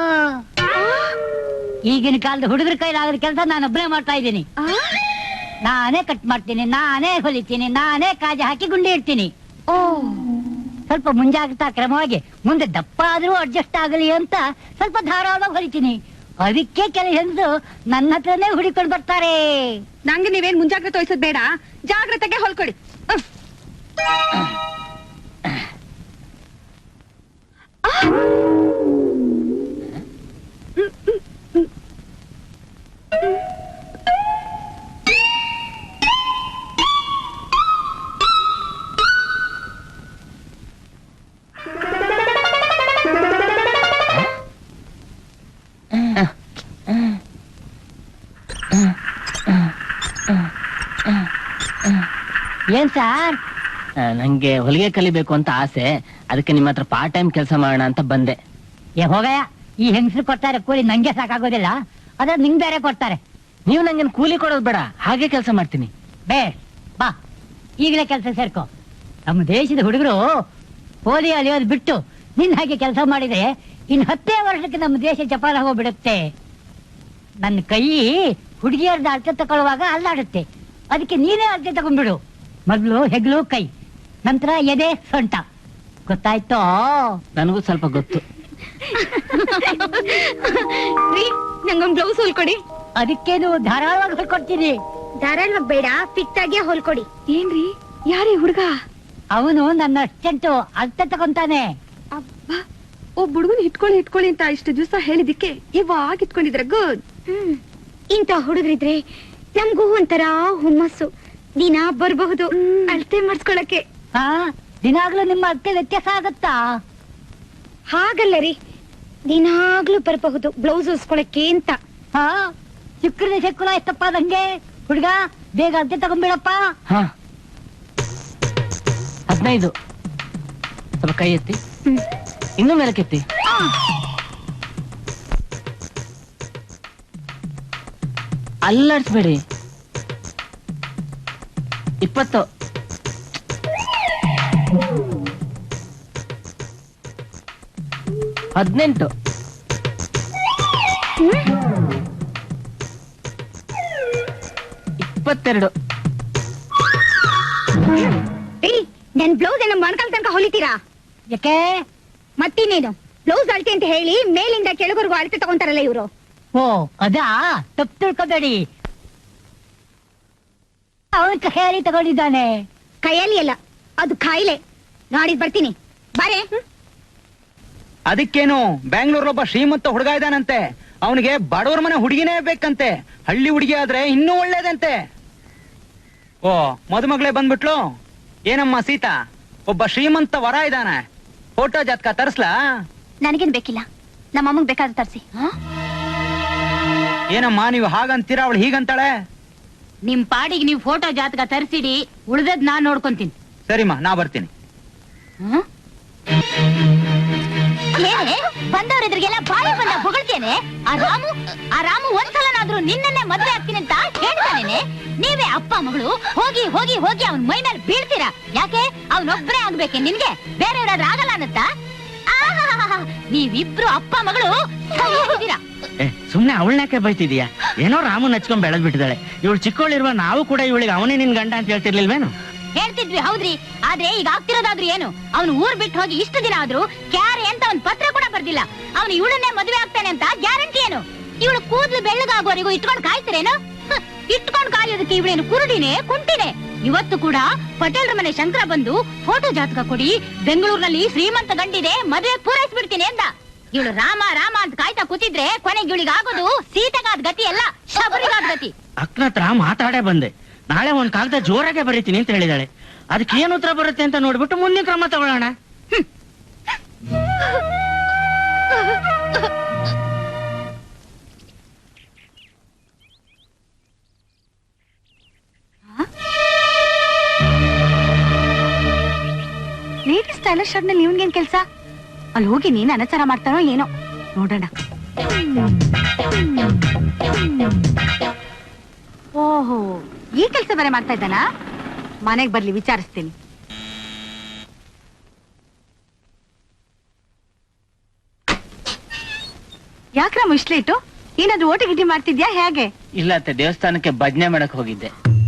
[SPEAKER 6] ಈಗಿನ ಕಾಲದ ಹುಡುಗರ ಕೈಲಾಗದ ಕೆಲಸ ನಾನು ಒಬ್ಬನೇ ಮಾಡ್ತಾ ಇದ್ದೀನಿ. ನಾನೇ ಕಟ್ ಮಾಡ್ತೀನಿ, ನಾನೇ ಹೊಲಿತೀನಿ, ನಾನೇ ಕಾಜಿ ಹಾಕಿ ಗುಂಡಿ ಇಡ್ತೀನಿ. ಸ್ವಲ್ಪ ಮುಂಜಾಗ್ರತಾ ಕ್ರಮವಾಗಿ ಮುಂದೆ ದಪ್ಪ ಆದ್ರೂ ಅಡ್ಜಸ್ಟ್ ಆಗಲಿ ಅಂತ ಸ್ವಲ್ಪ ಧಾರಾಳವಾಗಿ ಹೊಲಿತೀನಿ. ಅದಕ್ಕೆ ಕೆಲ ಹೆಂಗಸು ನನ್ನ ಹತ್ರನೇ ಹುಡಿಕೊಂಡು ಬರ್ತಾರೆ.
[SPEAKER 5] ನಂಗೆ ನೀವೇನ್ ಮುಂಜಾಗ್ರತೆ ವಹಿಸೋದ್ ಬೇಡ, ಜಾಗ್ರತೆಗೆ ಹೊಲ್ಕೊಡಿ.
[SPEAKER 6] ಏನ್ ಸಾರ್?
[SPEAKER 2] ನಂಗೆ ಹೊಲಿಗೆ ಕಲಿಬೇಕು ಅಂತ ಆಸೆ, ಅದಕ್ಕೆ ನಿಮ್ಮ ಹತ್ರ ಪಾರ್ಟ್ ಟೈಮ್ ಕೆಲಸ ಮಾಡೋಣ ಅಂತ ಬಂದೆ.
[SPEAKER 6] ಹೋಗಯ್ಯ, ಈ ಹೆಂಗಸರು ಕೊಡ್ತಾರೆ ಕೂಲಿ, ನಂಗೆ ಸಾಕಾಗೋದಿಲ್ಲ. ಅದ್ರ ನಿಂಗ್ ಬೇರೆ ಕೊಡ್ತಾರೆ.
[SPEAKER 2] ನೀವು ನಂಗೆ ಕೂಲಿ ಕೊಡೋದು ಬೇಡ, ಹಾಗೆ ಕೆಲಸ ಮಾಡ್ತೀನಿ.
[SPEAKER 6] ಬೇಸ್ ಬಾ, ಈಗಲೇ ಕೆಲಸ ಸೇರ್ಕೊ. ನಮ್ಮ ದೇಶದ ಹುಡುಗರು ಓದಿ ಅಲಿಯೋದು ಬಿಟ್ಟು ನಿನ್ನ ಹಾಗೆ ಕೆಲಸ ಮಾಡಿದ್ರೆ ಇನ್ 10 ವರ್ಷಕ್ಕೆ ನಮ್ಮ ದೇಶ ಜಪಾನ್ ಹೋಗ್ಬಿಡುತ್ತೆ. ನನ್ನ ಕೈ ಹುಡುಗಿಯರ್ದ ಅಳತೆ ತಗೊಳ್ಳುವಾಗ ಅಲ್ಲಾಡುತ್ತೆ, ಅದಕ್ಕೆ ನೀನೇ ಅಳತೆ ತಗೊಂಡ್ಬಿಡು. ಮೊದ್ಲು ಹೆಗ್ಲು ಕೈ, ನಂತರ ಎದೆ ಸೊಂಟ. ಗೊತ್ತಾಯ್ತೋ?
[SPEAKER 2] ನನಗೂ ಸ್ವಲ್ಪ ಗೊತ್ತು.
[SPEAKER 5] ನಂಗೊಂದ್ ಬ್ಲೌಸ್ ಹೊಲ್ಕೊಡಿ.
[SPEAKER 6] ಅದಕ್ಕೇನು ಧಾರಾಳವಾಗಿ ಹೊಲ್ಕೊಡ್ತೀನಿ.
[SPEAKER 5] ಧಾರಾಳವಾಗಿ ಬೇಡ, ಫಿಟ್ ಆಗಿ ಹೊಲ್ಕೊಡಿ. ಏನ್ರಿ ಯಾರೀ ಹುಡುಗ?
[SPEAKER 6] ಅವನು ನನ್ನ ಅಸ್ಟೆಂಟು, ಅಳತೆ ತಗೊಂತಾನೆ.
[SPEAKER 5] ಅಬ್ಬಾ, ಒಬ್ಬ ಹುಡುಗನ್ ಇಟ್ಕೊಳ್ಳಿ ಅಂತ ಇಷ್ಟು ದಿವಸ ಹೇಳಿದಿಕ್ಕೆ ಇವಾಗ ಇಟ್ಕೊಂಡಿದ್ರೆ ಗುಡ್. ಇಂತ ಹುಡುಗರಿದ್ರೆ ನಮ್ಗೂ ಒಂಥರ ಹುಮ್ಮಸ್ಸು, ದಿನ ಬರಬಹುದು ಅಳತೆ ಮಾಡಿಸ್ಕೊಳಕ್ಕೆ.
[SPEAKER 6] ಹಾ, ದಿನಾಗ್ಲೂ ನಿಮ್ಮ ಅಳತೆ ವ್ಯತ್ಯಾಸ ಆಗತ್ತಾ?
[SPEAKER 5] ಹಾಗಲ್ಲ ರೀ, ದಿನಾಗ್ಲೂ ಬರಬಹುದು ಬ್ಲೌಸ್ ಹೊಲ್ಸ್ಕೊಳಕ್ಕೆ ಅಂತ.
[SPEAKER 6] ಹಾ, ಶುಕ್ರನೇ ಶುಕ್ರ ಎಷ್ಟಪ್ಪ ನಂಗೆ. ಹುಡುಗ ಬೇಗ ಅಳತೆ ತಗೊಂಡ್ಬಿಡಪ್ಪ.
[SPEAKER 2] ಹಾ, 15. ಸ್ವಲ್ಪ ಕೈ ಎತ್ತಿ, ಇನ್ನೂ ಮೇಲಕ್ಕೆತ್ತಿ. ಅಲ್ಲಾಡ್ಸ್ಬೇಡಿ. 20. 18. 22.
[SPEAKER 5] ನನ್ ಬ್ಲೌಸ್ ಏನೋ ಮೊಣಕಾಲ್ ತನಕ ಹೊಲಿತೀರಾ?
[SPEAKER 6] ಯಾಕೆ?
[SPEAKER 5] ಮತ್ತಿನ್ನೇನು, ಬ್ಲೌಸ್ ಅಳತೆ ಅಂತ ಹೇಳಿ ಮೇಲಿಂದ ಕೆಳಗರೆಗೂ ಅಳತೆ ತಗೊಂತಾರಲ್ಲ ಇವರು.
[SPEAKER 6] ಓ, ಅದಾ? ತಪ್ಪು ತಿಳ್ಕೊಬೇಡಿ. ಅವನ್ ಕೈಯಲ್ಲಿ ತಗೊಂಡಿದ್ದಾನೆ.
[SPEAKER 5] ಕೈಯಲ್ಲಿ ಅಲ್ಲ, ಅದು ಕಾಯಿಲೆ. ನಾಡಿದ್ ಬರ್ತೀನಿ, ಬಾರೆ.
[SPEAKER 7] ಅದಕ್ಕೇನು, ಬ್ಯಾಂಗ್ಳೂರ್ಲೊಬ್ಬ ಶ್ರೀಮಂತ ಹುಡುಗ ಇದ್ದಾನಂತೆ, ಅವನಿಗೆ ಬಡವರ ಮನೆ ಹುಡುಗಿನೇ ಬೇಕಂತೆ. ಹಳ್ಳಿ ಹುಡುಗಿ ಆದ್ರೆ ಇನ್ನೂ ಒಳ್ಳೇದಂತೆ. ಓ, ಮದುಮಗಳೇ ಬಂದ್ಬಿಟ್ಲು. ಏನಮ್ಮ ಸೀತಾ, ಒಬ್ಬ ಶ್ರೀಮಂತ ವರ ಇದ್ದಾನೆ, ಫೋಟೋ ಜಾತಕ ತರ್ಸ್ಲಾ?
[SPEAKER 5] ನನಗೇನ್ ಬೇಕಿಲ್ಲ, ನಮ್ಮ ಅಮ್ಮಗ್ ಬೇಕಾದ್ರೆ ತರ್ಸಿ.
[SPEAKER 7] ಏನಮ್ಮ ನೀವು ಹಾಗಂತೀರಾ, ಅವಳು ಹೀಗಂತಾಳೆ?
[SPEAKER 4] ನಿಮ್ ಪಾಡಿಗೆ ನೀವು ಫೋಟೋ ಜಾತಕ ತರಿಸಿಡಿ, ಉಳ್ದದ್ ನಾನ್ ನೋಡ್ಕೊಂತೀನಿ.
[SPEAKER 7] ಸರಿಮ್ಮ, ನಾ ಬರ್ತೀನಿ.
[SPEAKER 4] ಬಂದವರಿದ್ರಿಗೆಲ್ಲ ಬಾಯಿ ಬಂದ ಹೊಗಳ್ತೇನೆ. ಆ ರಾಮು ಒಂದ್ಸಲನಾದ್ರೂ ನಿನ್ನನ್ನೇ ಮದ್ವೆ ಆಗ್ತೀನಿ ಅಂತ ಹೇಳ್ತಾನೇನೆ. ನೀವೇ ಅಪ್ಪ ಮಗಳು ಹೋಗಿ ಹೋಗಿ ಹೋಗಿ ಅವನ್ ಮೈ ಮೇಲೆ ಬೀಳ್ತೀರಾ. ಯಾಕೆ? ಅವನೊಬ್ಬರೇ ಆಗ್ಬೇಕೆ ನಿನ್ಗೆ, ಬೇರೆಯವ್ರಾದ್ರೂ ಆಗಲ್ಲ ಅನ್ನತ್ತಾ? ನೀವಿಬ್ರು ಅಪ್ಪ ಮಗಳು ಸರಿಯಾಗಿದ್ದೀರಾ.
[SPEAKER 2] ಸುಮ್ನೆ ಅವಳನ್ಯಾಕೆ ಬೈತಿದೀಯಾ? ಏನೋ ರಾಮನ್ ಹಚ್ಕೊಂಡ್ ಬೆಳೆದ್ ಬಿಟ್ಟಿದ್ದಾಳೆ. ಇವಳು ಚಿಕ್ಕವಳಿರುವ ನಾವು ಕೂಡ ಇವಳಿಗೆ ಅವನೇ ನಿನ್ ಗಂಡ ಅಂತ ಹೇಳ್ತಿರ್ಲಿಲ್ವೇನು?
[SPEAKER 4] ಹೇಳ್ತಿದ್ವಿ, ಹೌದ್ರಿ. ಆದ್ರೆ ಈಗ ಆಗ್ತಿರೋದಾದ್ರೂ ಏನು? ಅವನು ಊರ್ ಬಿಟ್ಟು ಹೋಗಿ ಇಷ್ಟು ದಿನ ಆದ್ರೂ ಕ್ಯಾರೆ ಅಂತ ಒಂದ್ ಪತ್ರ ಕೂಡ ಬರ್ದಿಲ್ಲ. ಅವನು ಇವಳನ್ನೇ ಮದುವೆ ಆಗ್ತಾನೆ ಅಂತ ಗ್ಯಾರಂಟಿ ಏನು? ಇವಳು ಕೂದ್ಲು ಬೆಳ್ಳಗಾಗೋವರೆಗೂ ಇಟ್ಕೊಂಡ್ ಕಾಯ್ತಿರೇನು? ಇಟ್ಕೊಂಡ್ ಕಾಯೋದಕ್ಕೆ ಇವಳೇನು ಕುರುಡಿನೇ ಕುಂಟಿನೇ? ಇವತ್ತು ಕೂಡ ಪಟೇಲ್ರ ಮನೆ ಶಂಕರ ಬಂದು ಫೋಟೋ ಜಾತಕ ಕೊಡಿ, ಬೆಂಗಳೂರಿನಲ್ಲಿ ಶ್ರೀಮಂತ ಗಂಡಿದೆ, ಮದುವೆ ಪೂರೈಸ್ಬಿಡ್ತೀನಿ ಅಂತ. ಇವಳು ರಾಮ ರಾಮ ಅಂತ ಕಾಯ್ತಾ ಕೂತಿದ್ರೆ ಕೊನೆಗೆ ಇವಳಿಗೆ ಆಗೋದು ಸೀತೆಗಾದ ಗತಿ ಅಲ್ಲ, ಶಬರಿಗಾದ ಗತಿ.
[SPEAKER 2] ಅಕ್ಕನ ಹತ್ರ ಮಾತಾಡೇ ಬಂದೆ. ನಾಳೆ ಒಂದ್ ಕಾಗದ ಜೋರಾಗೆ ಬರೀತೀನಿ ಅಂತ ಹೇಳಿದಾಳೆ. ಅದಕ್ಕೆ ಏನು ಉತ್ತರ ಬರುತ್ತೆ ಅಂತ ನೋಡ್ಬಿಟ್ಟು ಮುಂದಿನ ಕ್ರಮ ತಗೊಳ್ಳೋಣ.
[SPEAKER 5] ಶಾಪ್ನಲ್ಲಿ ಇವನ್ಗೇನ್ ಕೆಲ್ಸ? ಅಲ್ಲಿ ಹೋಗಿ ನೀನ್ ಅನಾಚಾರ ಮಾಡ್ತಾನೋ ಏನೋ ನೋಡೋಣ. ಓಹೋ, ಈ ಕೆಲ್ಸ ಬೇರೆ ಮಾಡ್ತಾ ಇದ್ದಾನ? ಮನೆಗ್ ಬರ್ಲಿ, ವಿಚಾರಿಸ್ತೀನಿ. ಯಾಕ್ರಮ್ಮ ಇಷ್ಟ ಲೇಟು? ಏನಾದ್ರು ಓಟಿ ಗಿಟಿ ಮಾಡ್ತಿದ್ಯಾ ಹೇಗೆ?
[SPEAKER 2] ಇಲ್ಲ ಅತ್ತೆ, ದೇವಸ್ಥಾನಕ್ಕೆ ಭಜನೆ ಮಾಡಕ್ ಹೋಗಿದ್ದೆ.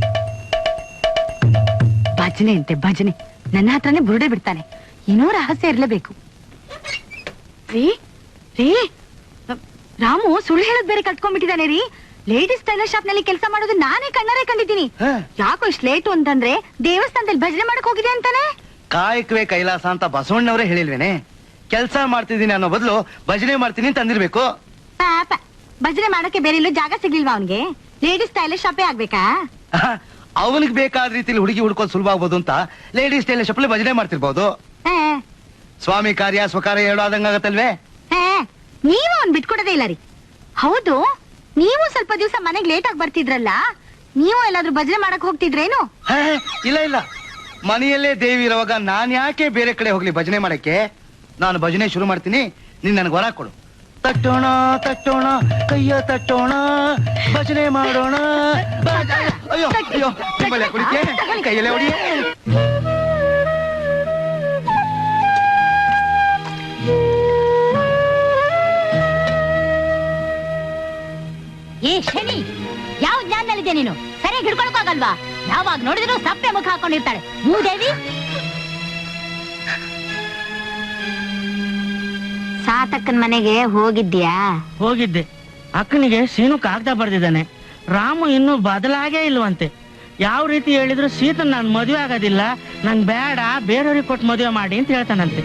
[SPEAKER 5] ಭಜನೆ ಅಂತೆ ಭಜನೆ, ನನ್ನ ಹತ್ರನೇ ಬುರುಡೆ ಬಿಡ್ತಾನೆ. ಏನೋ ರಹಸ್ಯ ಇರ್ಲೇಬೇಕು. ರೀ ರೀ, ರಾಮು ಸುಳ್ಳು ಹೇಳೋದ್ ಬೇರೆ ಕಲ್ತ್ಕೊಂಡ್ಬಿಟ್ಟಿದ್ದಾನೆ ರೀ. ಲೇಡೀಸ್ ಟೈಲರ್ ಶಾಪ್ ನಲ್ಲಿ ಕೆಲಸ ಮಾಡೋದು ನಾನೇ ಕಣ್ಣಾರೆ ಕಂಡಿದ್ದೀನಿ. ಯಾಕೋ ಇಷ್ಟು ಲೇಟು ಅಂತಂದ್ರೆ ದೇವಸ್ಥಾನದಲ್ಲಿ ಭಜನೆ ಮಾಡಕ್ ಹೋಗಿದೆ ಅಂತಾನೆ.
[SPEAKER 1] ಕಾಯಕವೇ ಕೈಲಾಸ ಅಂತ ಬಸವಣ್ಣವರೇ ಹೇಳಿಲ್ವೇನೆ? ಕೆಲ್ಸ ಮಾಡ್ತಿದ್ದೀನಿ ಅನ್ನೋ ಬದಲು ಭಜನೆ ಮಾಡ್ತೀನಿ ಅಂತ ಅಂದಿರ್ಬೇಕು.
[SPEAKER 5] ಪಾಪ, ಭಜನೆ ಮಾಡಕ್ಕೆ ಬೇರೆ ಎಲ್ಲೂ ಜಾಗ ಸಿಗ್ಲಿಲ್ವಾ ಅವನ್ಗೆ? ಲೇಡೀಸ್ ಟೈಲರ್ ಶಾಪೇ ಆಗ್ಬೇಕಾ?
[SPEAKER 1] ಅವನಿಗೆ ಬೇಕಾದ ರೀತಿಲಿ ಹುಡುಗಿ ಹುಡ್ಕೋದು ಸುಲಭ ಆಗ್ಬೋದು ಅಂತ ಲೇಡೀಸ್ ಟೈಲರ್ ಶಾಪ್ ಭಜನೆ ಮಾಡ್ತಿರ್ಬೋದು. ಸ್ವಾಮಿ ಕಾರ್ಯ ಸ್ವಕಾರ್ಯ ಹೇಳೋ ಆದಂಗಾಗತ್ತಲ್ವೇ?
[SPEAKER 5] ನೀವು ಅವ್ನ್ ಬಿಟ್ಕೊಡೋದೇ ಇಲ್ಲ ರೀ. ಹೌದು, ನೀವು ಸ್ವಲ್ಪ ದಿವಸ ಮನೆಗ್ ಲೇಟ್ ಆಗಿ ಬರ್ತಿದ್ರಲ್ಲ, ನೀವು ಎಲ್ಲಾದ್ರೂ ಭಜನೆ ಮಾಡಕ್ ಹೋಗ್ತಿದ್ರೇನು?
[SPEAKER 1] ಇಲ್ಲ ಇಲ್ಲ, ಮನೆಯಲ್ಲೇ ದೇವಿ ಇರುವಾಗ ನಾನ್ ಯಾಕೆ ಬೇರೆ ಕಡೆ ಹೋಗ್ಲಿ ಭಜನೆ ಮಾಡಕ್ಕೆ? ನಾನು ಭಜನೆ ಶುರು ಮಾಡ್ತೀನಿ, ನೀನ್ ನನಗೆ ವರ ಕೊಡು. ತಟ್ಟೋಣ ತಟ್ಟೋಣ ಕೈಯ ತಟ್ಟೋಣ, ಭಜನೆ ಮಾಡೋಣ. ಅಯ್ಯೋ ಅಯ್ಯೋ, ನಿಮ್ಮಲ್ಲೇ ಕುಡಿಕೆ ಕೈಯಲ್ಲೇ ಹೊಡಿ.
[SPEAKER 4] ಏ ಶನಿ, ಯಾವ ಜ್ಞಾನದಲ್ಲಿದೆ ನೀನು? ಸರಿಯಾಗಿ ಹಿಡ್ಕೊಳಕ್ಕಾಗಲ್ವಾ? ಯಾವಾಗ ನೋಡಿದ್ರು ಸಪ್ಪೆ ಮುಖ ಹಾಕೊಂಡಿರ್ತಾಳೆ ಮೂದೇವಿ.
[SPEAKER 5] ಸಾತಕ್ಕನ್ ಮನೆಗೆ ಹೋಗಿದ್ಯಾ?
[SPEAKER 2] ಹೋಗಿದ್ದೆ. ಅಕ್ಕನಿಗೆ ಸೀನು ಕಾಗದ ಬರ್ದಿದ್ದಾನೆ. ರಾಮು ಇನ್ನೂ ಬದಲಾಗೇ ಇಲ್ವಂತೆ. ಯಾವ ರೀತಿ ಹೇಳಿದ್ರು ಸೀತನ್ ನಾನು ಮದುವೆ ಆಗೋದಿಲ್ಲ, ನಂಗೆ ಬೇಡ, ಬೇರೆಯವ್ರಿಗೆ ಕೊಟ್ಟು ಮದುವೆ ಮಾಡಿ ಅಂತ ಹೇಳ್ತಾನಂತೆ.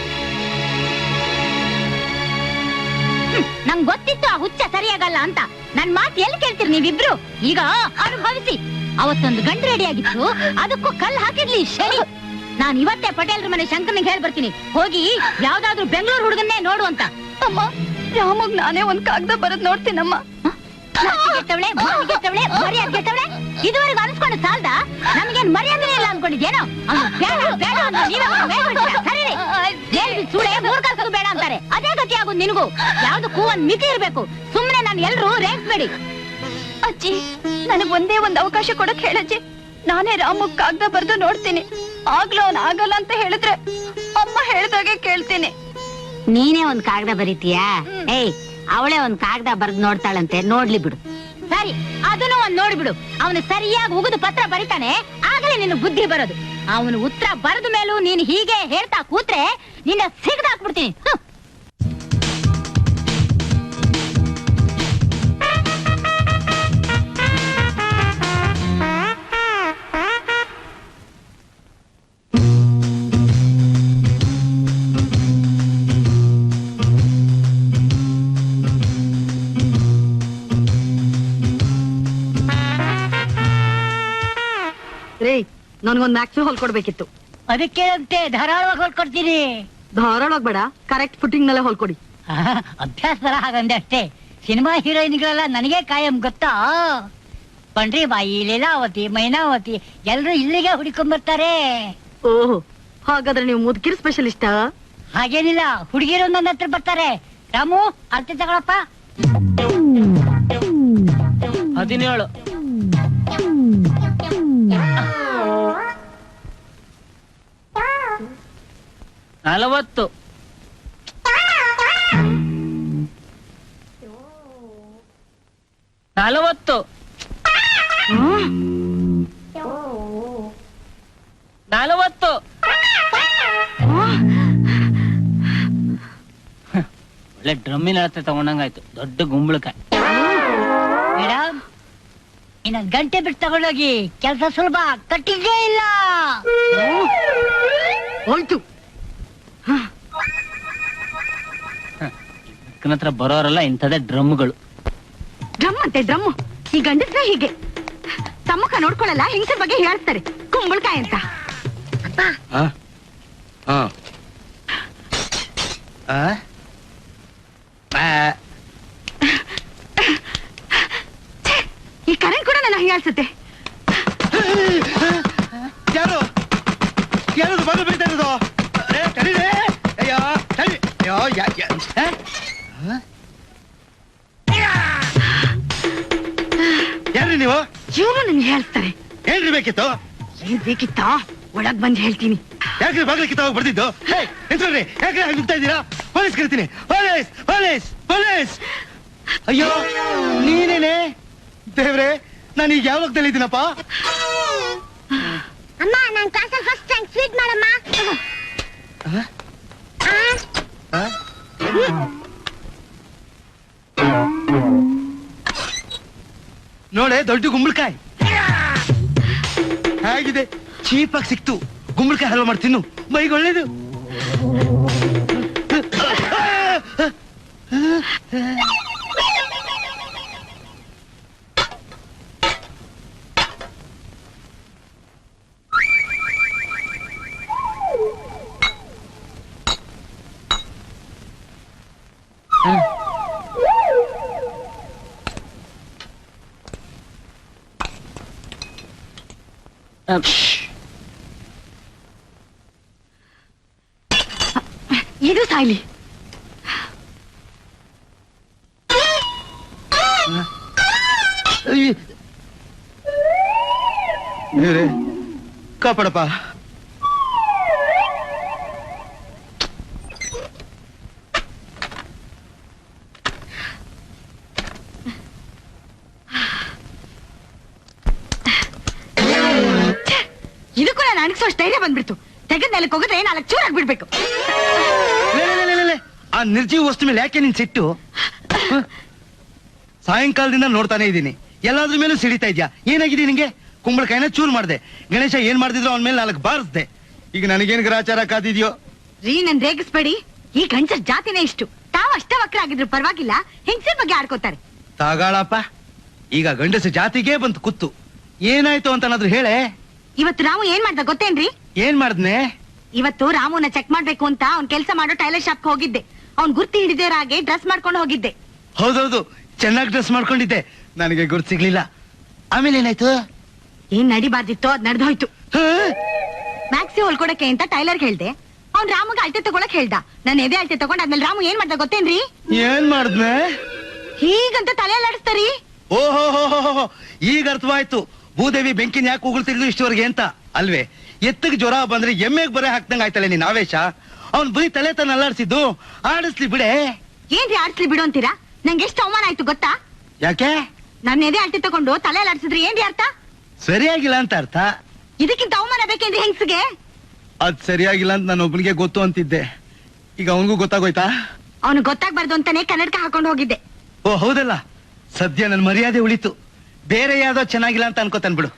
[SPEAKER 4] ನಂಗ್ ಗೊತ್ತಿತ್ತು ಆ ಹುಚ್ಚ ಸರಿಯಾಗಲ್ಲ ಅಂತ. ನನ್ ಮಾತು ಎಲ್ಲಿ ಕೇಳ್ತೀರಿ ನೀವಿಬ್ರು? ಈಗ ಅನುಭವಿಸಿ. ಅವತ್ತೊಂದು ಗಂಡು ರೆಡಿ ಆಗಿತ್ತು, ಅದಕ್ಕೂ ಕಲ್ಲು ಹಾಕಿದ್ಲಿ ಶನಿ. ನಾನ್ ಇವತ್ತೇ ಪಟೇಲ್ರ ಮನೆ ಶಂಕರ್ನಿಗೆ ಹೇಳ್ ಬರ್ತೀನಿ, ಹೋಗಿ ಯಾವ್ದಾದ್ರು ಬೆಂಗಳೂರು ಹುಡುಗನ್ನೇ ನೋಡು ಅಂತ.
[SPEAKER 5] ಅಮ್ಮ, ರಾಮಗ್ ನಾನೇ ಒಂದ್ ಕಾಗದ ಬರದ್ ನೋಡ್ತೀನಮ್ಮ.
[SPEAKER 4] ಇದುವರೆಗೂ ಅನ್ಸ್ಕೊಂಡು ಸಾಲ್ದ? ನಮ್ಗೇನ್ ಮರ್ಯಾದೆ ಇಲ್ಲ ಅನ್ಕೊಂಡಿದ್ಯೇನೋ? ಸುಳೆ ಮೂರ್ಖರ್ಸೋದು ಬೇಡ ಅಂತಾರೆ, ಅದೇ ಗತಿ ಆಗೋದು ನಿನಗೂ. ಯಾವ್ದಕ್ಕೂ ಒಂದ್ ಮಿತಿ ಇರ್ಬೇಕು. ಸುಮ್ನೆ ನಾನು ಎಲ್ರು ರೇಗಿಸ್ಬೇಡಿ.
[SPEAKER 5] ಅಜ್ಜಿ, ನನಗ್ ಒಂದೇ ಒಂದ್ ಅವಕಾಶ ಕೊಡಕ್ ಹೇಳಜ್ಜಿ. ನಾನೇ ರಾಮಗ್ ಕಾಗದ ಬರ್ದು ನೋಡ್ತೀನಿ. ಆಗ್ಲೋ ಅವ್ನ್ ಆಗಲ್ಲ ಅಂತ ಹೇಳಿದ್ರೆ ಅಮ್ಮ ಹೇಳ್ದಾಗೆ ಕೇಳ್ತೀನಿ.
[SPEAKER 4] ನೀನೇ ಒಂದ್ ಕಾಗದ ಬರೀತೀಯಾ? ಏಯ್, ಅವಳೇ ಒಂದ್ ಕಾಗದ ಬರ್ದ್ ನೋಡ್ತಾಳಂತೆ, ನೋಡ್ಲಿ ಬಿಡು. ಸರಿ, ಅದನ್ನು ಒಂದ್ ನೋಡ್ಬಿಡು. ಅವನು ಸರಿಯಾಗಿ ಉಗಿದು ಪತ್ರ ಬರಿತಾನೆ, ಆಗಲೇ ನಿನ್ನ ಬುದ್ಧಿ ಬರೋದು. ಅವನು ಉತ್ತರ ಬರೆದ ಮೇಲೂ ನೀನ್ ಹೀಗೆ ಹೇಳ್ತಾ ಕೂತ್ರೆ ನಿನ್ನ ಸಿಗದಾಕ್ಬಿಡ್ತೀನಿ.
[SPEAKER 5] ರೇ, ನನ್ಗೊಂದ್ ಮ್ಯಾಕ್ಸು ಹೊಲ್ಕೊಡ್ಬೇಕಿತ್ತು.
[SPEAKER 6] ಅದಕ್ಕೆ ಅಂತೆ ಧಾರಾಳವಾಗಿ ಹೊಲ್ಕೊಡ್ತೀನಿ.
[SPEAKER 5] ಧಾರಾಳವಾಗಿ ಬೇಡ, ಕರೆಕ್ಟ್ ಫುಟಿಂಗ್ ನಲ್ಲೇ ಹೊಲ್ಕೊಡಿ.
[SPEAKER 6] ಅಭ್ಯಾಸ ತರ ಹಾಗಂದೆ ಅಷ್ಟೇ. ಸಿನಿಮಾ ಹೀರೋಯಿನ್ಗಳೆಲ್ಲ ನನಗೆ ಕಾಯಂ ಗೊತ್ತಾ? ಪಂಡ್ರಿ ಬಾಯಿ, ಲೀಲಾವತಿ, ಮೈನಾವತಿ ಎಲ್ರು ಇಲ್ಲಿಗೆ ಹುಡುಕೊಂಡ್ಬರ್ತಾರೆ.
[SPEAKER 5] ಓಹೋ, ಹಾಗಾದ್ರೆ ನೀವು ಮುದುಕಿರ್ ಸ್ಪೆಷಲಿಸ್ಟ?
[SPEAKER 6] ಹಾಗೇನಿಲ್ಲ, ಹುಡುಗಿರು ನನ್ನ ಹತ್ರ ಬರ್ತಾರೆ. ರಾಮು, ಅರ್ಥ ತಗೊಳಪ್ಪ.
[SPEAKER 2] 17 40 40 40 ಒಳ್ಳೆ ಡ್ರಮ್ಮಿನ ಹತ್ರ ತಗೊಂಡಂಗಾಯ್ತು, ದೊಡ್ಡ ಗುಂಬಳಕಾಯಿ.
[SPEAKER 6] ಮೇಡಮ್, ಇನ್ನೊಂದ್ ಗಂಟೆ ಬಿಟ್ಟು ತಗೊಂಡೋಗಿ, ಕೆಲಸ ಸುಲಭ, ಕಟ್ಟಿಗೆ ಇಲ್ಲ.
[SPEAKER 5] ಹೋಯ್ತು.
[SPEAKER 2] ಅಕ್ಕನ ಹತ್ರ ಬರೋರೆಲ್ಲ ಇಂಥದೇ ಡ್ರಮ್ಗಳು.
[SPEAKER 5] ಡ್ರಮ್ ಅಂತೆ ಡ್ರಮ್. ಈ ಗಂಡಸ್ರೆ ಹೀಗೆ ತಮ್ಮಕ ನೋಡ್ಕೊಳಲ್ಲ, ಹೆಂಗಸರ ಬಗ್ಗೆ ಹೇಳ್ತಾರೆ ಕುಂಬಳಕಾಯಿ ಅಂತ. ಈ ಕರೆಂಟ್ ಕೂಡ ನನ್ನ ಹೀಯಾಳ್ಸುತ್ತೆ.
[SPEAKER 1] ಯಾರು ಯಾರು ಬಂದು ಬೀಳ್ತಾ ಇರೋದು? ಯಾರ್ರಿ ನೀವು?
[SPEAKER 5] ಇವನು ನನ್ಗೆ ಹೇಳ್ತಾರೆ.
[SPEAKER 1] ಏನ್ರಿ ಬೇಕಿತ್ತು?
[SPEAKER 5] ಏನ್ ಬೇಕಿತ್ತಾ? ಒಳಗ್ ಬಂದ್ ಹೇಳ್ತೀನಿ.
[SPEAKER 1] ಯಾಕ್ರಿ ಬಾಗ್ಲ ಕಿತ್ತಾಗ ಬರ್ತಿದ್ದು? ಎಂತ್ರಿ ಯಾಕ್ರಿ ಹಾಗೆ ನುಗ್ತಾ ಇದ್ದೀರಾ? ಪೊಲೀಸ್ ಕರಿತೀನಿ. Police police police! ಅಯ್ಯೋ ನೀನೇನೆ ದೇವ್ರೆ, ನಾನು ಈಗ ಯಾವಾಗ ತಿಳಿದ್ದೀನಪ್ಪ?
[SPEAKER 4] ಅಮ್ಮ ನಾನ್ ಕ್ಲಾಸಲ್ಲಿ ಫಸ್ಟ್ ರ್ಯಾಂಕ್, ಸ್ವೀಟ್ ಮಾಡಮ್ಮ.
[SPEAKER 1] ನೋಡೆ ದೊಡ್ಡ ಗುಂಬಳಕಾಯಿ ಹೇಗಿದೆ, ಚೀಪಾಗಿ ಸಿಕ್ತು. ಗುಂಬಳಕಾಯಿ ಹಲ್ವಾ ಮಾಡಿ ತಿನ್ನು, ಬೈಗ್ ಒಳ್ಳೇದು.
[SPEAKER 5] ಇದು ಸಾಯ್ಲಿ.
[SPEAKER 1] ದೇವ್ರೆ ಕಾಪಾಡಪ್ಪ.
[SPEAKER 5] ಇದಕ್ಕೂ ನಾನು ಅಣಗಿಸೋಷ್ಟು ಧೈರ್ಯ ಬಂದ್ಬಿಡ್ತು. ತೆಗೆದ ನೆಲಕ್ಕೆ ಹೋಗಿದ್ರೆ 4 ಚೂರಾಗಿ ಬಿಡ್ಬೇಕು.
[SPEAKER 1] ಆ ನಿರ್ಜೀವ ವಸ್ತು ಮೇಲೆ ಯಾಕೆ ನಿನ್ ಸಿಟ್ಟು? ಸಾಯಂಕಾಲದಿಂದ ನೋಡ್ತಾನೆ ಇದ್ದೀನಿ, ಎಲ್ಲಾದ್ರ ಮೇಲೂ ಸಿಡಿತಾ ಇದ್ಯಾ. ಏನಾಗಿದೆ ನಿಂಗೆ? ಕುಂಬಳಕಾಯಿನ ಚೂರ್ ಮಾಡ್ದೆ, ಗಣೇಶ ಏನ್ ಮಾಡ್ತಿದ್ರು ಅವನ ಮೇಲೆ 4 ಬಾರಿಸ್ದೆ. ಈಗ ನನಗೇನ್ ಗ್ರಾಚಾರ ಕಾದಿದ್ಯೋ?
[SPEAKER 5] ರೀ ನನ್ ರೇಗಿಸ್ಬೇಡಿ. ಈ ಗಂಡಸರ್ ಜಾತಿನೇ ಇಷ್ಟು. ತಾವು ಅಷ್ಟವಕ್ರ ಆಗಿದ್ರು ಪರವಾಗಿಲ್ಲ, ಹೆಂಗಸರ ಬಗ್ಗೆ ಆಡ್ಕೋತಾರೆ.
[SPEAKER 1] ತಾಗಾಳಪ್ಪ, ಈಗ ಗಂಡಸ ಜಾತಿಗೆ ಬಂತು ಕುತ್ತು. ಏನಾಯ್ತು ಅಂತ ಏನಾದ್ರು ಹೇಳೆ.
[SPEAKER 5] ಇವತ್ತು ರಾಮು ಏನ್ ಮಾಡ್ದ ಗೊತ್ತೇನ್ರಿ?
[SPEAKER 1] ಏನ್ ಮಾಡ್ದನೆ?
[SPEAKER 5] ಇವತ್ತು ರಾಮುನ ಚೆಕ್ ಮಾಡ್ಬೇಕು ಅಂತ ಅವ್ನ್ ಕೆಲಸ ಮಾಡೋ ಟೈಲರ್ ಶಾಪ್ ಹೋಗಿದ್ದೆ. ಅವ್ನ್ ಗುರ್ತಿ ಹಿಡಿದೇರ ಹಾಗೆ ಡ್ರೆಸ್ ಮಾಡ್ಕೊಂಡು ಹೋಗಿದ್ದೆ.
[SPEAKER 1] ಹೌದೌದು, ಚೆನ್ನಾಗಿ ಡ್ರೆಸ್ ಮಾಡ್ಕೊಂಡಿದ್ದೆ, ನನಗೆ ಗುರ್ತು ಸಿಗ್ಲಿಲ್ಲ. ಆಮೇಲೆ ಏನಾಯ್ತು?
[SPEAKER 5] ಏನ್ ನಡಿಬಾರ್ದಿತ್ತೋ ಅದ್ ನಡೆದೋಯ್ತು.
[SPEAKER 1] ಹಾ?
[SPEAKER 5] ಮ್ಯಾಕ್ಸಿ ಹೊಲ್ಕೊಡಕ್ಕೆ ಅಂತ ಟೈಲರ್ ಹೇಳ್ದೆ. ಅವ್ನ್ ರಾಮುಗೆ ಅಳತೆ ತಗೊಳಕ್ ಹೇಳ್ದ. ನಾನು ಎದೆ ಅಳತೆ ತಗೊಂಡ್ ಆದ್ಮೇಲೆ ರಾಮು ಏನ್ ಮಾಡ್ದ ಗೊತ್ತೇನ್ರಿ?
[SPEAKER 1] ಏನ್ ಮಾಡ್ದನೆ?
[SPEAKER 5] ಹೀಗಂತ ತಲೆ ಅಲ್ಲಾಡಿಸ್ತಾರಿ.
[SPEAKER 1] ಓಹೋ, ಈಗ ಅರ್ಥವಾಯ್ತು ಭೂದೇವಿ ಬೆಂಕಿನ ಯಾಕೆ ಉಗುಳ್ತಿದ್ಲು ಇಷ್ಟವರೆಗೆ ಅಂತ ಅಲ್ವೇ? ಎತ್ತಗೆ ಜ್ವರ ಬಂದ್ರೆ ಎಮ್ಮೆಗ್ ಬರೆ ಹಾಕ್ದಂಗ ಆಯ್ತಲ್ಲ ನಿನ್ ಆವೇಶ. ಅವ್ನ್ ಬರೀ ತಲೆ ತನ್ನ ಅಲ್ಲಾಡ್ಸಿದ್ದು, ಆಡಿಸ್ಲಿ ಬಿಡೆ.
[SPEAKER 5] ಏನ್ರಿ ಆಡ್ಸ್ಲಿ ಬಿಡು ಅಂತೀರಾ? ನಂಗೆ ಎಷ್ಟು ಅವಮಾನ ಆಯ್ತು ಗೊತ್ತಾ?
[SPEAKER 1] ಯಾಕೆ?
[SPEAKER 5] ನನ್ನ ಎದೆ ಅಳತೆ ತಗೊಂಡು ತಲೆ ಅಲ್ಲಾಡ್ಸಿದ್ರೆ ಏನ್ರಿ ಅರ್ಥ?
[SPEAKER 1] ಸರಿಯಾಗಿಲ್ಲ ಅಂತ ಅರ್ಥ.
[SPEAKER 5] ಇದಕ್ಕಿಂತ ಅವಮಾನ ಬೇಕೇನ್ರಿ ಹೆಂಗ್ಸಿಗೆ?
[SPEAKER 1] ಅದ್ ಸರಿಯಾಗಿಲ್ಲ ಅಂತ ನಾನು ಒಬ್ಬನಿಗೆ ಗೊತ್ತು ಅಂತಿದ್ದೆ, ಈಗ ಅವನಿಗೂ ಗೊತ್ತಾಗೋಯ್ತಾ?
[SPEAKER 5] ಅವನು ಗೊತ್ತಾಗ್ಬಾರ್ದು ಅಂತಾನೆ ಕನ್ನಡಕ ಹಾಕೊಂಡು ಹೋಗಿದ್ದೆ.
[SPEAKER 1] ಓ ಹೌದಲ್ಲ, ಸದ್ಯ ನನ್ ಮರ್ಯಾದೆ ಉಳಿತು. ಬೇರೆ ಯಾವ್ದೋ ಚೆನ್ನಾಗಿಲ್ಲ ಅಂತ ಅನ್ಕೋತಾನ್ ಬಿಡು.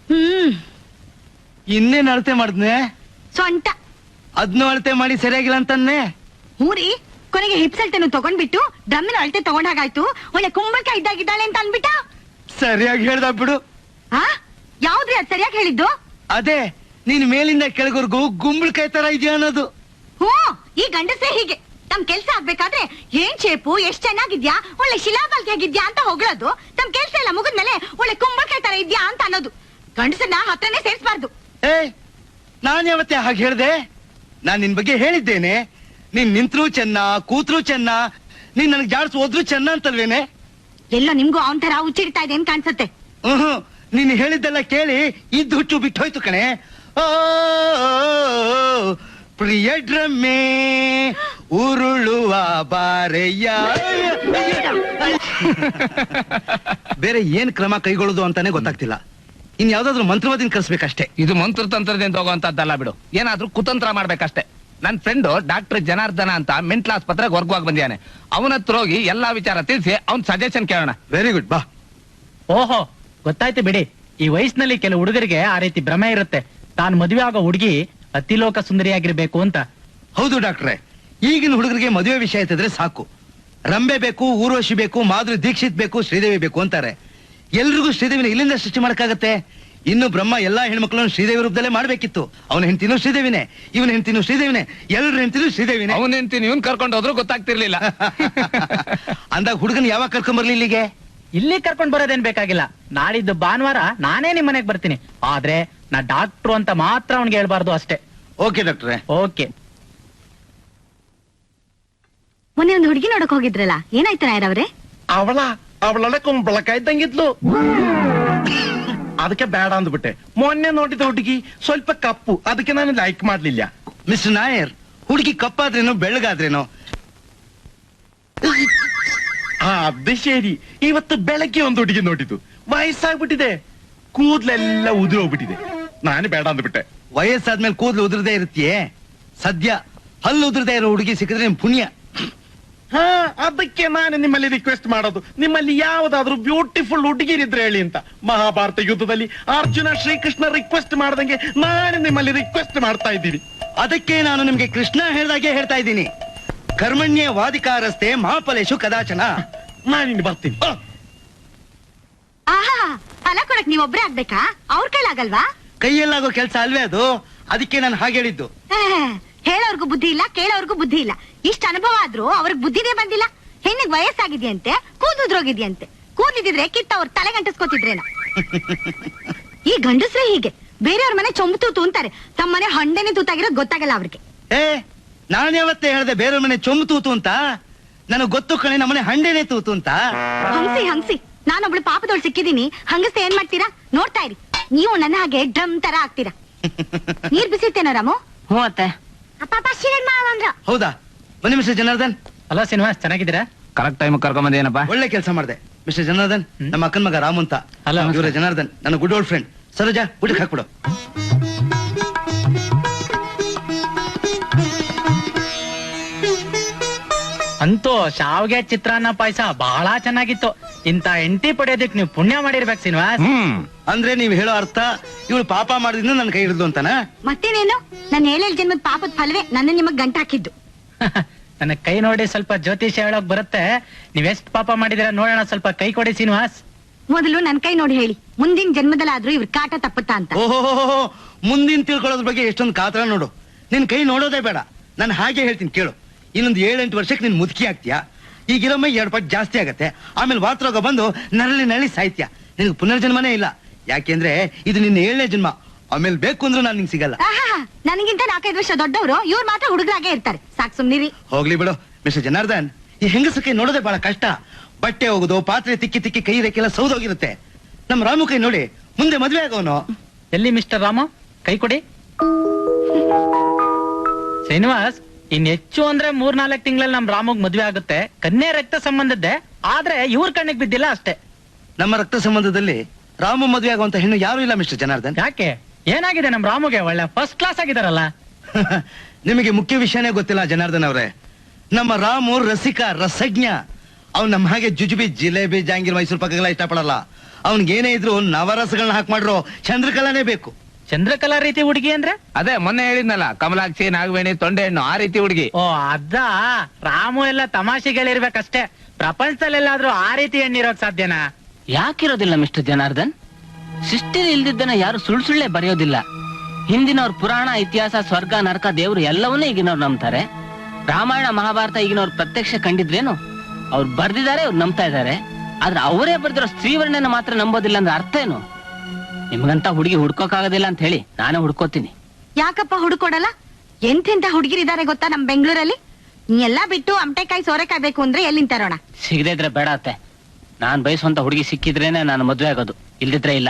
[SPEAKER 1] ಇನ್ನೇನ್ ಅಳತೆ ಮಾಡಿದ್ನೆ?
[SPEAKER 5] ಸೊಂಟ
[SPEAKER 1] ಅದ್ನು ಅಳತೆ ಮಾಡಿ ಸರಿಯಾಗಿಲ್ಲ ಅಂತಾನೆ.
[SPEAKER 5] ಹೂರಿ, ಕೊನೆಗೆ ಹಿಪ್ಸ್ ಅಳತೆನು ತಗೊಂಡ್ಬಿಟ್ಟು ಡ್ರಮ್ಮಿನ ಅಳತೆ ತಗೊಂಡ್ ಹಾಗಾಯ್ತು. ಒಳ್ಳೆ ಕುಂಬಳಕಾಯಿ ಇದ್ದಾಗಿದ್ದಾಳೆ ಅಂತ ಅನ್ಬಿಟ್ಟ.
[SPEAKER 1] ಸರಿಯಾಗಿ ಹೇಳ್ದ ಬಿಡು.
[SPEAKER 5] ಆ ಯಾವ್ದ್ರಿ ಅದ್ ಸರಿಯಾಗಿ ಹೇಳಿದ್ದು?
[SPEAKER 1] ಅದೇ, ನೀನ್ ಮೇಲಿಂದ ಕೆಳಗವರೆಗೂ ಗುಂಬಳಕಾಯಿ ತರ ಇದೆಯಾ ಅನ್ನೋದು.
[SPEAKER 5] ಈ ಗಂಡಸೇ ಹೀಗೆ. ತಮ್ ಕೆಲ್ಸ ಆಗ್ಬೇಕಾದ್ರೆ ಏನ್ ಶೇಪು, ಎಷ್ಟ್ ಚೆನ್ನಾಗಿದ್ಯಾ, ಒಳ್ಳೆ ಶಿಲಾಬಾಲ್ಗೆ ಆಗಿದ್ಯಾ ಅಂತ ಹೊಗಳೋದು. ತಮ್ ಕೆಲ್ಸ ಎಲ್ಲ ಮುಗಿದ್ಮೇಲೆ ಒಳ್ಳೆ ಕುಂಬಳಕಾಯಿ ತರ ಇದ್ಯಾ ಅಂತ ಅನ್ನೋದು. ಗಂಡಸನ್ನ ಹತ್ರನೇ ಸೇರ್ಸ್ಬಾರ್ದು.
[SPEAKER 1] ನಾನ್ ಯಾವತ್ತೆ ಹಾಗೆ ಹೇಳ್ದೆ? ನಾನ್ ನಿನ್ ಬಗ್ಗೆ ಹೇಳಿದ್ದೇನೆ. ನೀನ್ ನಿಂತ್ರು ಚೆನ್ನ, ಕೂತ್ರು ಚೆನ್ನ, ನೀನ್ ನನ್ಗೆ ಜಾಡ್ಸ್ ಹೋದ್ರು ಚೆನ್ನ ಅಂತಲ್ವೇನೆ?
[SPEAKER 5] ಎಲ್ಲ ನಿಮ್ಗೂ ಅವನ್ ತರ ಉಚ್ಚಿಡ್ತಾ ಇದೆ ಅಂತ ಕಾಣಿಸುತ್ತೆ.
[SPEAKER 1] ನೀನ್ ಹೇಳಿದ್ದೆಲ್ಲ ಕೇಳಿ ಇದ್ದು ಹುಚ್ಚು ಬಿಟ್ಟು ಹೋಯ್ತು ಕಣೆ. ಓ ಪ್ರಿಯ ಡ್ರಮ್ಮೆ ಉರುಳುವ ಬಾರೆಯ. ಬೇರೆ ಏನ್ ಕ್ರಮ ಕೈಗೊಳ್ಳೋದು ಅಂತಾನೆ ಗೊತ್ತಾಗ್ತಿಲ್ಲ. ಇನ್ ಯಾವ್ದಾದ್ರು ಮಂತ್ರವಾದಿನ ಕರ್ಸ್ಬೇಕಷ್ಟೇ.
[SPEAKER 3] ಇದು ಮಂತ್ರ ತಂತ್ರದಿಂದ ಹೋಗುವಂತದ್ದಲ್ಲ ಬಿಡು, ಏನಾದ್ರೂ ಕುತಂತ್ರ ಮಾಡ್ಬೇಕಷ್ಟೇ. ನನ್ ಫ್ರೆಂಡ್ ಡಾಕ್ಟರ್ ಜನಾರ್ದನ ಅಂತ ಮೆಂಟಲ್ ಆಸ್ಪತ್ರೆಗೆ ವರ್ಗವಾಗಿ ಬಂದಿದ್ದಾನೆ. ಅವನ ಹತ್ರ ಹೋಗಿ ಎಲ್ಲಾ ವಿಚಾರ ತಿಳಿಸಿ ಅವ್ನ್ ಸಜೆಷನ್ ಕೇಳೋಣ.
[SPEAKER 1] ವೆರಿ ಗುಡ್, ಬಾ.
[SPEAKER 7] ಓಹೋ, ಗೊತ್ತಾಯ್ತು ಬಿಡಿ. ಈ ವಯಸ್ಸಿನಲ್ಲಿ ಕೆಲವು ಹುಡುಗರಿಗೆ ಆ ರೀತಿ ಭ್ರಮೆ ಇರುತ್ತೆ, ತಾನು ಮದುವೆ ಆಗೋ ಹುಡುಗಿ ಅತಿಲೋಕ ಸುಂದರಿಯಾಗಿರ್ಬೇಕು ಅಂತ.
[SPEAKER 1] ಹೌದು ಡಾಕ್ಟ್ರೆ, ಈಗಿನ ಹುಡುಗರಿಗೆ ಮದುವೆ ವಿಷಯ ಎತ್ತಿದ್ರೆ ಸಾಕು. ರಂಬೆ ಬೇಕು, ಊರ್ವಶಿ ಬೇಕು, ಮಾಧುರಿ ದೀಕ್ಷಿತ್ ಬೇಕು, ಶ್ರೀದೇವಿ ಬೇಕು ಅಂತಾರೆ. ಎಲ್ರಿಗೂ ಶ್ರೀದೇವಿನ ಇಲ್ಲಿಂದ ಸೃಷ್ಟಿ ಮಾಡಕ್ಕಾಗತ್ತೆ? ಇನ್ನು ಬ್ರಹ್ಮ ಎಲ್ಲಾ ಹೆಣ್ಮಕ್ಳನ್ನು ಶ್ರೀದೇವಿ ರೂಪದಲ್ಲೇ ಮಾಡ್ಬೇಕಿತ್ತು. ಅವನ ಹೆಂಡತಿನೂ ಶ್ರೀದೇವಿನೇ, ಇವನ ಹೆಂಡತಿನೂ ಶ್ರೀದೇವಿನೇ, ಎಲ್ಲರ ಹೆಂಡತಿನೂ ಶ್ರೀದೇವಿನೇ.
[SPEAKER 3] ಅವನ ಹೆಂಡತಿ ಇವನ್ ಕರ್ಕೊಂಡು ಹೋದ್ರು ಗೊತ್ತಾಗ್ತಿರ್ಲಿಲ್ಲ.
[SPEAKER 1] ಅಂದಾಗ ಹುಡುಗನ್ ಯಾವಾಗ ಕರ್ಕೊಂಡ್ ಬರ್ಲಿ ಇಲ್ಲಿಗೆ?
[SPEAKER 7] ಇಲ್ಲಿ ಕರ್ಕೊಂಡ್ ಬರೋದೇನ್ ಬೇಕಾಗಿಲ್ಲ. ನಾಳಿದ್ದು ಭಾನುವಾರ ನಾನೇ ನಿಮ್ ಮನೆಗ್ ಬರ್ತೀನಿ. ಆದ್ರೆ ನಾ ಡಾಕ್ಟ್ರು ಅಂತ ಮಾತ್ರ ಅವ್ನಿಗೆ ಹೇಳ್ಬಾರ್ದು ಅಷ್ಟೇ.
[SPEAKER 1] ಓಕೆ ಡಾಕ್ಟ್ರೆ.
[SPEAKER 7] ಓಕೆ.
[SPEAKER 5] ಮೊನ್ನೆ ಒಂದು ಹುಡುಗಿ ನೋಡಕ್ ಹೋಗಿದ್ರಲ್ಲ, ಏನಾಯ್ತು ನಾಯರವ್ರೆ?
[SPEAKER 8] ಅವಳೊಳೆ ಕುಂಬಳಕಾಯಿ ತಂಗಿದ್ಲು. ಅದಕ್ಕೆ ಬೇಡ ಅಂದ್ಬಿಟ್ಟೆ. ಮೊನ್ನೆ ನೋಡಿದ ಹುಡುಗಿ ಸ್ವಲ್ಪ ಕಪ್ಪು, ಅದಕ್ಕೆ ನಾನು ಲೈಕ್ ಮಾಡ್ಲಿಲ್ಲ.
[SPEAKER 1] ಮಿಸ್ಟರ್ ನಾಯರ್, ಹುಡುಗಿ ಕಪ್ಪಾದ್ರೇನೋ ಬೆಳ್ಳಗಾದ್ರೇನೋ.
[SPEAKER 8] ಅದು ಶರಿ. ಇವತ್ತು ಬೆಳಗ್ಗೆ ಒಂದು ಹುಡುಗಿ ನೋಡಿದ್ದು, ವಯಸ್ಸಾಗ್ಬಿಟ್ಟಿದೆ, ಕೂದ್ಲೆಲ್ಲ ಉದುರಿ ಹೋಗ್ಬಿಟ್ಟಿದೆ. ನಾನು ಬೇಡ ಅಂದ್ಬಿಟ್ಟೆ.
[SPEAKER 1] ವಯಸ್ಸಾದ್ಮೇಲೆ ಕೂದಲು ಉದುರದೇ ಇರುತ್ತೆಯೇ? ಸದ್ಯ ಹಲ್ಲು ಉದುರದೇ ಇರೋ ಹುಡುಗಿ ಸಿಕ್ಕಿದ್ರೆ ನಿಮ್ ಪುಣ್ಯ.
[SPEAKER 8] ಹಾ, ಅದಕ್ಕೆ ನಾನು ನಿಮ್ಮಲ್ಲಿ ರಿಕ್ವೆಸ್ಟ್ ಮಾಡೋದು, ನಿಮ್ಮಲ್ಲಿ ಯಾವ್ದಾದ್ರು ಬ್ಯೂಟಿಫುಲ್ ಹುಡುಗಿರಿದ್ರೆ ಹೇಳಿ ಅಂತ. ಮಹಾಭಾರತ ಯುದ್ಧದಲ್ಲಿ ಅರ್ಜುನ ಶ್ರೀಕೃಷ್ಣ ರಿಕ್ವೆಸ್ಟ್ ಮಾಡ್ದಂಗೆ ನಾನು ನಿಮ್ಮಲ್ಲಿ ರಿಕ್ವೆಸ್ಟ್ ಮಾಡ್ತಾ ಇದ್ದೀನಿ.
[SPEAKER 1] ಅದಕ್ಕೆ ನಾನು ನಿಮ್ಗೆ ಕೃಷ್ಣ ಹೇಳ್ದಾಗೆ ಹೇಳ್ತಾ ಇದ್ದೀನಿ. ಕರ್ಮಣ್ಯ ವಾದಿಕಾರಸ್ತೆ ಮಹಾಫಲೇಶು ಕದಾಚನ.
[SPEAKER 8] ನಾನಿನ್ನು ಬರ್ತೀನಿ.
[SPEAKER 5] ಆಹಾ, ಫಲ ಕೊಡಕ್ ನೀವೊಬ್ರೇ ಆಗ್ಬೇಕಾ? ಅವ್ರ ಕೈಲಾಗಲ್ವಾ?
[SPEAKER 1] ಕೈಯಲ್ಲಾಗೋ ಕೆಲ್ಸ ಅಲ್ವೇ ಅದು? ಅದಕ್ಕೆ ನಾನು ಹಾಗೆ ಹೇಳಿದ್ದು.
[SPEAKER 5] ಹೇಳೋರ್ಗು ಬುದ್ಧಿ ಇಲ್ಲ, ಕೇಳೋರ್ಗು ಬುದ್ಧಿ ಇಲ್ಲ. ಇಷ್ಟ ಅನುಭವ ಆದ್ರೂ ಅವ್ರಿಗೆ ಬುದ್ಧಿನೇ ಬಂದಿಲ್ಲ. ಹೆಣ್ಣಿಗೆ ವಯಸ್ಸಾಗಿದೆಯಂತೆ, ಕೂದುದ್ರೋಗಿದ್ಯಂತೆ. ಕೂದ್ಲಿದ್ರೆ ಕಿತ್ತ ಅವ್ರ ತಲೆ ಗಂಟಸ್ಕೋತಿದ್ರೇನ? ಈ ಗಂಡಸ್ರೆ ಹೀಗೆ ಬೇರೆಯವ್ರ ಮನೆ ಚೊಂಬು ತೂತು ಅಂತಾರೆ, ತಮ್ಮ ಮನೆ ಹಂಡೆನೆ ತೂತಾಗಿರೋದು ಗೊತ್ತಾಗಲ್ಲ ಅವ್ರಿಗೆ.
[SPEAKER 1] ನಾನು ಯಾವತ್ತೇ ಹೇಳ್ದೆ ಬೇರೆಯವ್ರ ಮನೆ ಚೊಂಬು ತೂತು ಅಂತ? ನನಗ್ ಗೊತ್ತು ಕಣೆ, ನಮ್ಮನೆ ಹಂಡೆನೆ ತೂತು ಅಂತ.
[SPEAKER 5] ಹಂಸಿ ನಾನೊಬ್ಳು ಪಾಪದೊಳ್ ಸಿಕ್ಕಿದೀನಿ. ಹಂಗಸ್ತೆ ಏನ್ ಮಾಡ್ತೀರಾ? ನೋಡ್ತಾ ಇರಿ, ನೀವು ನನ್ನ ಹಾಗೆ ಡ್ರಮ್ ತರ ಆಗ್ತೀರಾ. ನೀರ್ ಬಿಸಿರ್ತೇನೋ ರಾಮು?
[SPEAKER 2] ಹ್ಞೂ ಅತ್ತೆ.
[SPEAKER 1] ಹೌದಾ? ಬನ್ನಿ ಮಿಸ್ಟರ್ ಜನಾರ್ದನ್.
[SPEAKER 7] ಅಲ್ಲ ಶ್ರೀನಿವಾಸ್, ಚೆನ್ನಾಗಿದ್ದೀರಾ?
[SPEAKER 3] ಕರೆಕ್ಟ್ ಟೈಮ್ ಕರ್ಕೊಂಡ್ ಬಂದೇನಪ್ಪ.
[SPEAKER 1] ಒಳ್ಳೆ ಕೆಲಸ ಮಾಡಿದೆ ಮಿಸ್ಟರ್ ಜನಾರ್ದನ್. ನಮ್ಮ ಅಕ್ಕನ ಮಗ ರಾಮು ಅಂತ.
[SPEAKER 7] Hello.
[SPEAKER 1] ಇವರ ಜನಾರ್ದನ್, ನನ್ನ ಗುಡ್ ಓಲ್ಡ್ ಫ್ರೆಂಡ್. ಸರೋಜಾ, ಊಟಕ್ಕೆ ಹಾಕ್ಬಿಡು.
[SPEAKER 7] ಅಂತೂ ಶಾವ್ಗೆ ಚಿತ್ರಾನ್ನ ಪಾಯಸ ಬಹಳ ಚೆನ್ನಾಗಿತ್ತು. ಇಂತ ಎಂಟಿ ಪಡೆಯೋದಕ್ ನೀವು ಪುಣ್ಯ ಮಾಡಿರ್ಬೇಕು ಶ್ರೀನಿವಾಸ್.
[SPEAKER 1] ಅಂದ್ರೆ ನೀವ್ ಹೇಳೋ ಅರ್ಥ ಇವಳು ಪಾಪ ಮಾಡಿದ್ರಿಂದ ನನ್ನ ಕೈ ಹಿಡಿದು ಅಂತಾನ?
[SPEAKER 5] ಮತ್ತೇನೇನು, ನನ್ನ 7 ಜನ್ಮದ ಪಾಪದ ಫಲವೇ ನನ್ನ ನಿಮಗ್ ಗಂಟ ಹಾಕಿದ್ದು.
[SPEAKER 7] ನನ್ನ ಕೈ ನೋಡಿ ಸ್ವಲ್ಪ ಜ್ಯೋತಿಷ್ಯ ಹೇಳೋಕ್ ಬರುತ್ತೆ. ನೀವೆಷ್ಟ್ ಪಾಪ ಮಾಡಿದಿರ ನೋಡೋಣ, ಸ್ವಲ್ಪ ಕೈ ಕೊಡಿ ಶ್ರೀನಿವಾಸ್.
[SPEAKER 5] ಮೊದಲು ನನ್ ಕೈ ನೋಡಿ ಹೇಳಿ, ಮುಂದಿನ ಜನ್ಮದಲ್ಲಾದ್ರೂ ಇವ್ರ ಕಾಟ ತಪ್ಪುತ್ತಾ ಅಂತ.
[SPEAKER 1] ಓಹೋ, ಮುಂದಿನ ತಿಳ್ಕೊಳ್ಳೋದ್ರ ಬಗ್ಗೆ ಎಷ್ಟೊಂದು ಕಾತರ ನೋಡು. ನಿನ್ ಕೈ ನೋಡೋದೇ ಬೇಡ, ನಾನು ಹಾಗೆ ಹೇಳ್ತೀನಿ ಕೇಳು. ಇನ್ನೊಂದು 7-8 ವರ್ಷಕ್ಕೆ ನೀನ್ ಮುದುಕಿ ಆಗ್ತೀಯಾ. ಈಗಿರೊಮ್ಮೆ 2 ಪಟ್ಟು ಜಾಸ್ತಿ ಆಗತ್ತೆ. ಆಮೇಲೆ ವಾತರೋಗ ಬಂದು ನರಳಿ ಸಾಯ್ತೀಯ. ನಿನಗೆ ಪುನರ್ಜನ್ಮನೇ ಇಲ್ಲ. ಯಾಕೆಂದ್ರೆ ಇದು ನಿನ್ನ 7ನೇ ಜನ್ಮ. ಆಮೇಲೆ ಬೇಕು ಅಂದ್ರೂ ನಾನು ನಿಂಗೆ ಸಿಗಲ್ಲ.
[SPEAKER 5] ನನಗಿಂತ 4-5 ವರ್ಷ ದೊಡ್ಡವರು, ಇವ್ರು ಮಾತ್ರ ಹುಡುಗರಾಗೆ ಇರ್ತಾರೆ. ಸಾಕ್ ಸುಮ್ನಿರಿ.
[SPEAKER 1] ಹೋಗ್ಲಿ ಬಿಡು ಮಿಸ್ಟರ್ ಜನಾರ್ದನ್. ಈ ಹೆಂಗಸ ಕೈ ನೋಡೋದೇ ಬಹಳ ಕಷ್ಟ. ಬಟ್ಟೆ ಹೋಗುದು, ಪಾತ್ರೆ ತಿಕ್ಕಿ ಕೈ ರೇಖೆಲ್ಲ ಸೌದೋಗಿರುತ್ತೆ. ನಮ್ ರಾಮು ಕೈ ನೋಡಿ, ಮುಂದೆ ಮದ್ವೆ ಆಗೋನು.
[SPEAKER 7] ಎಲ್ಲಿ ಮಿಸ್ಟರ್ ರಾಮ, ಕೈ ಕೊಡಿ. ಶ್ರೀನಿವಾಸ್, ಇನ್ ಹೆಚ್ಚು ಅಂದ್ರೆ 3-4 ತಿಂಗಳಲ್ಲಿ ನಮ್ ರಾಮಗ್ ಮದ್ವೆ ಆಗುತ್ತೆ. ಕನ್ಯೆ ರಕ್ತ ಸಂಬಂಧದ್ದೇ, ಆದ್ರೆ ಇವ್ರ ಕಣ್ಣಿಗೆ ಬಿದ್ದಿಲ್ಲ ಅಷ್ಟೇ.
[SPEAKER 1] ನಮ್ಮ ರಕ್ತ ಸಂಬಂಧದಲ್ಲಿ ರಾಮು ಮದ್ವೆ ಆಗುವಂತ ಹೆಣ್ಣು ಯಾರು ಇಲ್ಲ ಮಿಸ್ಟರ್ ಜನಾರ್ದನ್.
[SPEAKER 7] ಯಾಕೆ, ಏನಾಗಿದೆ ನಮ್ ರಾಮುಗೆ? ಒಳ್ಳೆ ಫಸ್ಟ್ ಕ್ಲಾಸ್ ಆಗಿದಾರಲ್ಲ.
[SPEAKER 1] ನಿಮಗೆ ಮುಖ್ಯ ವಿಷಯನೇ ಗೊತ್ತಿಲ್ಲ ಜನಾರ್ದನ್ ಅವರೇ. ನಮ್ಮ ರಾಮು ರಸಜ್ಞ. ಅವ್ನು ನಮ್ಮ ಹಾಗೆ ಜುಜುಬಿ, ಜಿಲೇಬಿ, ಜಾಂಗೀರ್, ಮೈಸೂರು ಪಕ್ಕಗಳ ಇಷ್ಟಪಡಲ್ಲ. ಅವ್ನಿಗೇನೇ ಇದ್ರು ನವರಸಗಳನ್ನ ಹಾಕಿ ಮಾಡ್ರೋ ಚಂದ್ರಕಲಾನೇ ಬೇಕು.
[SPEAKER 7] ಚಂದ್ರಕಲಾ ರೀತಿ ಹುಡುಗಿ ಅಂದ್ರೆ?
[SPEAKER 3] ಅದೇ ಮೊನ್ನೆ ಹೇಳಿದ್ನಲ್ಲ, ಕಮಲಾಕ್ಷಿ, ನಾಗವೇಣಿ, ತೊಂಡೆ ಹಣ್ಣು, ಆ ರೀತಿ ಹುಡುಗಿ.
[SPEAKER 7] ಓ ಅದ. ರಾಮು ಎಲ್ಲ ತಮಾಷೆಗಳಿರ್ಬೇಕಷ್ಟೇ. ಪ್ರಪಂಚದಲ್ಲೆಲ್ಲಾದ್ರೂ ಆ ರೀತಿ ಹೆಣ್ಣಿರೋಕ್ ಸಾಧ್ಯನಾ?
[SPEAKER 2] ಯಾಕಿರೋದಿಲ್ಲ ಮಿಸ್ಟರ್ ಜನಾರ್ದನ್? ಸೃಷ್ಟಿಲಿ ಇಲ್ದಿದ್ದನ್ನ ಯಾರು ಸುಳ್ಳೆ ಬರೆಯೋದಿಲ್ಲ. ಹಿಂದಿನವ್ರ ಪುರಾಣ, ಇತಿಹಾಸ, ಸ್ವರ್ಗ, ನರಕ, ದೇವ್ರು ಎಲ್ಲವನ್ನೂ ಈಗಿನವ್ರು ನಂಬ್ತಾರೆ. ರಾಮಾಯಣ, ಮಹಾಭಾರತ ಈಗಿನವ್ರು ಪ್ರತ್ಯಕ್ಷ ಕಂಡಿದ್ರೇನು? ಅವ್ರು ಬರ್ದಿದ್ದಾರೆ, ಅವ್ರು ನಂಬ್ತಾ ಇದ್ದಾರೆ. ಆದ್ರೆ ಅವರೇ ಬರ್ದಿರೋ ಸ್ತ್ರೀವರ್ಣನ ಮಾತ್ರ ನಂಬೋದಿಲ್ಲ ಅಂದ್ರೆ ಅರ್ಥ ಏನು? ನಿಮ್ಗಂತ ಹುಡುಗಿ ಹುಡ್ಕೋಕಾಗೋದಿಲ್ಲ ಅಂತ ಹೇಳಿ ನಾನೇ ಹುಡ್ಕೋತೀನಿ.
[SPEAKER 5] ಯಾಕಪ್ಪ ಹುಡುಕೊಡಲ್ಲ? ಎಂತೆಂತ ಹುಡುಗಿರಿದ್ದಾರೆ ಗೊತ್ತಾ ನಮ್ ಬೆಂಗಳೂರಲ್ಲಿ? ನೀ ಎಲ್ಲಾ ಬಿಟ್ಟು ಅಮಟೆಕಾಯಿ, ಸೋರೆಕಾಯಿ ಬೇಕು ಅಂದ್ರೆ ಎಲ್ಲಿಂದ ತರೋಣ?
[SPEAKER 2] ಸಿಗದೇ ಇದ್ರೆ ಬೇಡ ಅತ್ತೆ. ನಾನ್ ಬಯಸುವಂತ ಹುಡುಗಿ ಸಿಕ್ಕಿದ್ರೇನೆ ನಾನು ಮದ್ವೆ ಆಗೋದು, ಇಲ್ದಿದ್ರೆ ಇಲ್ಲ.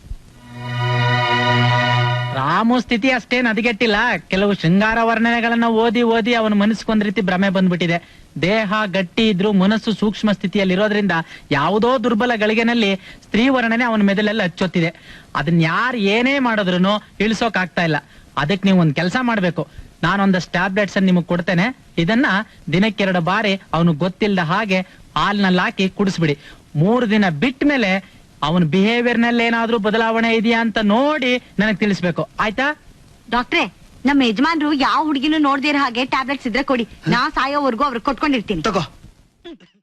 [SPEAKER 7] ರಾಮು ಸ್ಥಿತಿ ಅಷ್ಟೇನ್ ಹದಗೆಟ್ಟಿಲ್ಲ. ಕೆಲವು ಶೃಂಗಾರ ವರ್ಣನೆಗಳನ್ನ ಓದಿ ಅವನ ಮನಸ್ಸಿಗೊಂದ್ ರೀತಿ ಭ್ರಮೆ ಬಂದ್ಬಿಟ್ಟಿದೆ. ದೇಹ ಗಟ್ಟಿ ಇದ್ರು ಮನಸ್ಸು ಸೂಕ್ಷ್ಮ ಸ್ಥಿತಿಯಲ್ಲಿರೋದ್ರಿಂದ ಯಾವುದೋ ದುರ್ಬಲ ಗಳಿಗೆನಲ್ಲಿ ಸ್ತ್ರೀ ವರ್ಣನೆ ಅವನ ಮೆದುಳಲ್ಲಿ ಹಚ್ಚೊತ್ತಿದೆ. ಅದನ್ನ ಯಾರು ಏನೇ ಮಾಡಿದ್ರು ಇಳಿಸೋಕ್ ಆಗ್ತಾ ಇಲ್ಲ. ಅದಕ್ಕೆ ನೀವು ಒಂದ್ ಕೆಲಸ ಮಾಡ್ಬೇಕು. ನಾನೊಂದಷ್ಟು ಟ್ಯಾಬ್ಲೆಟ್ಸ್ ನಿಮಗ್ ಕೊಡ್ತೇನೆ. ಇದನ್ನ ದಿನಕ್ಕೆ 2 ಬಾರಿ ಅವನು ಗೊತ್ತಿಲ್ಲದ ಹಾಗೆ ಹಾಲ್ನಲ್ಲಿ ಹಾಕಿ ಕುಡಿಸ್ಬಿಡಿ. 3 ದಿನ ಬಿಟ್ಟ ಮೇಲೆ ಅವನ ಬಿಹೇವಿಯರ್ ನಲ್ಲಿ ಏನಾದ್ರೂ ಬದಲಾವಣೆ ಇದೆಯಾ ಅಂತ ನೋಡಿ ನನಗ್ ತಿಳಿಸ್ಬೇಕು, ಆಯ್ತಾ?
[SPEAKER 5] ಡಾಕ್ಟ್ರೆ, ನಮ್ಮ ಯಜಮಾನ್ರು ಯಾವ ಹುಡುಗಿನೂ ನೋಡ್ದಿರೋ ಹಾಗೆ ಟ್ಯಾಬ್ಲೆಟ್ಸ್ ಇದ್ರೆ ಕೊಡಿ. ನಾ ಸಾಯೋವರೆಗೂ ಅವ್ರಿಗೆ ಕೊಟ್ಕೊಂಡಿರ್ತೀನಿ.
[SPEAKER 1] ತಗೋ.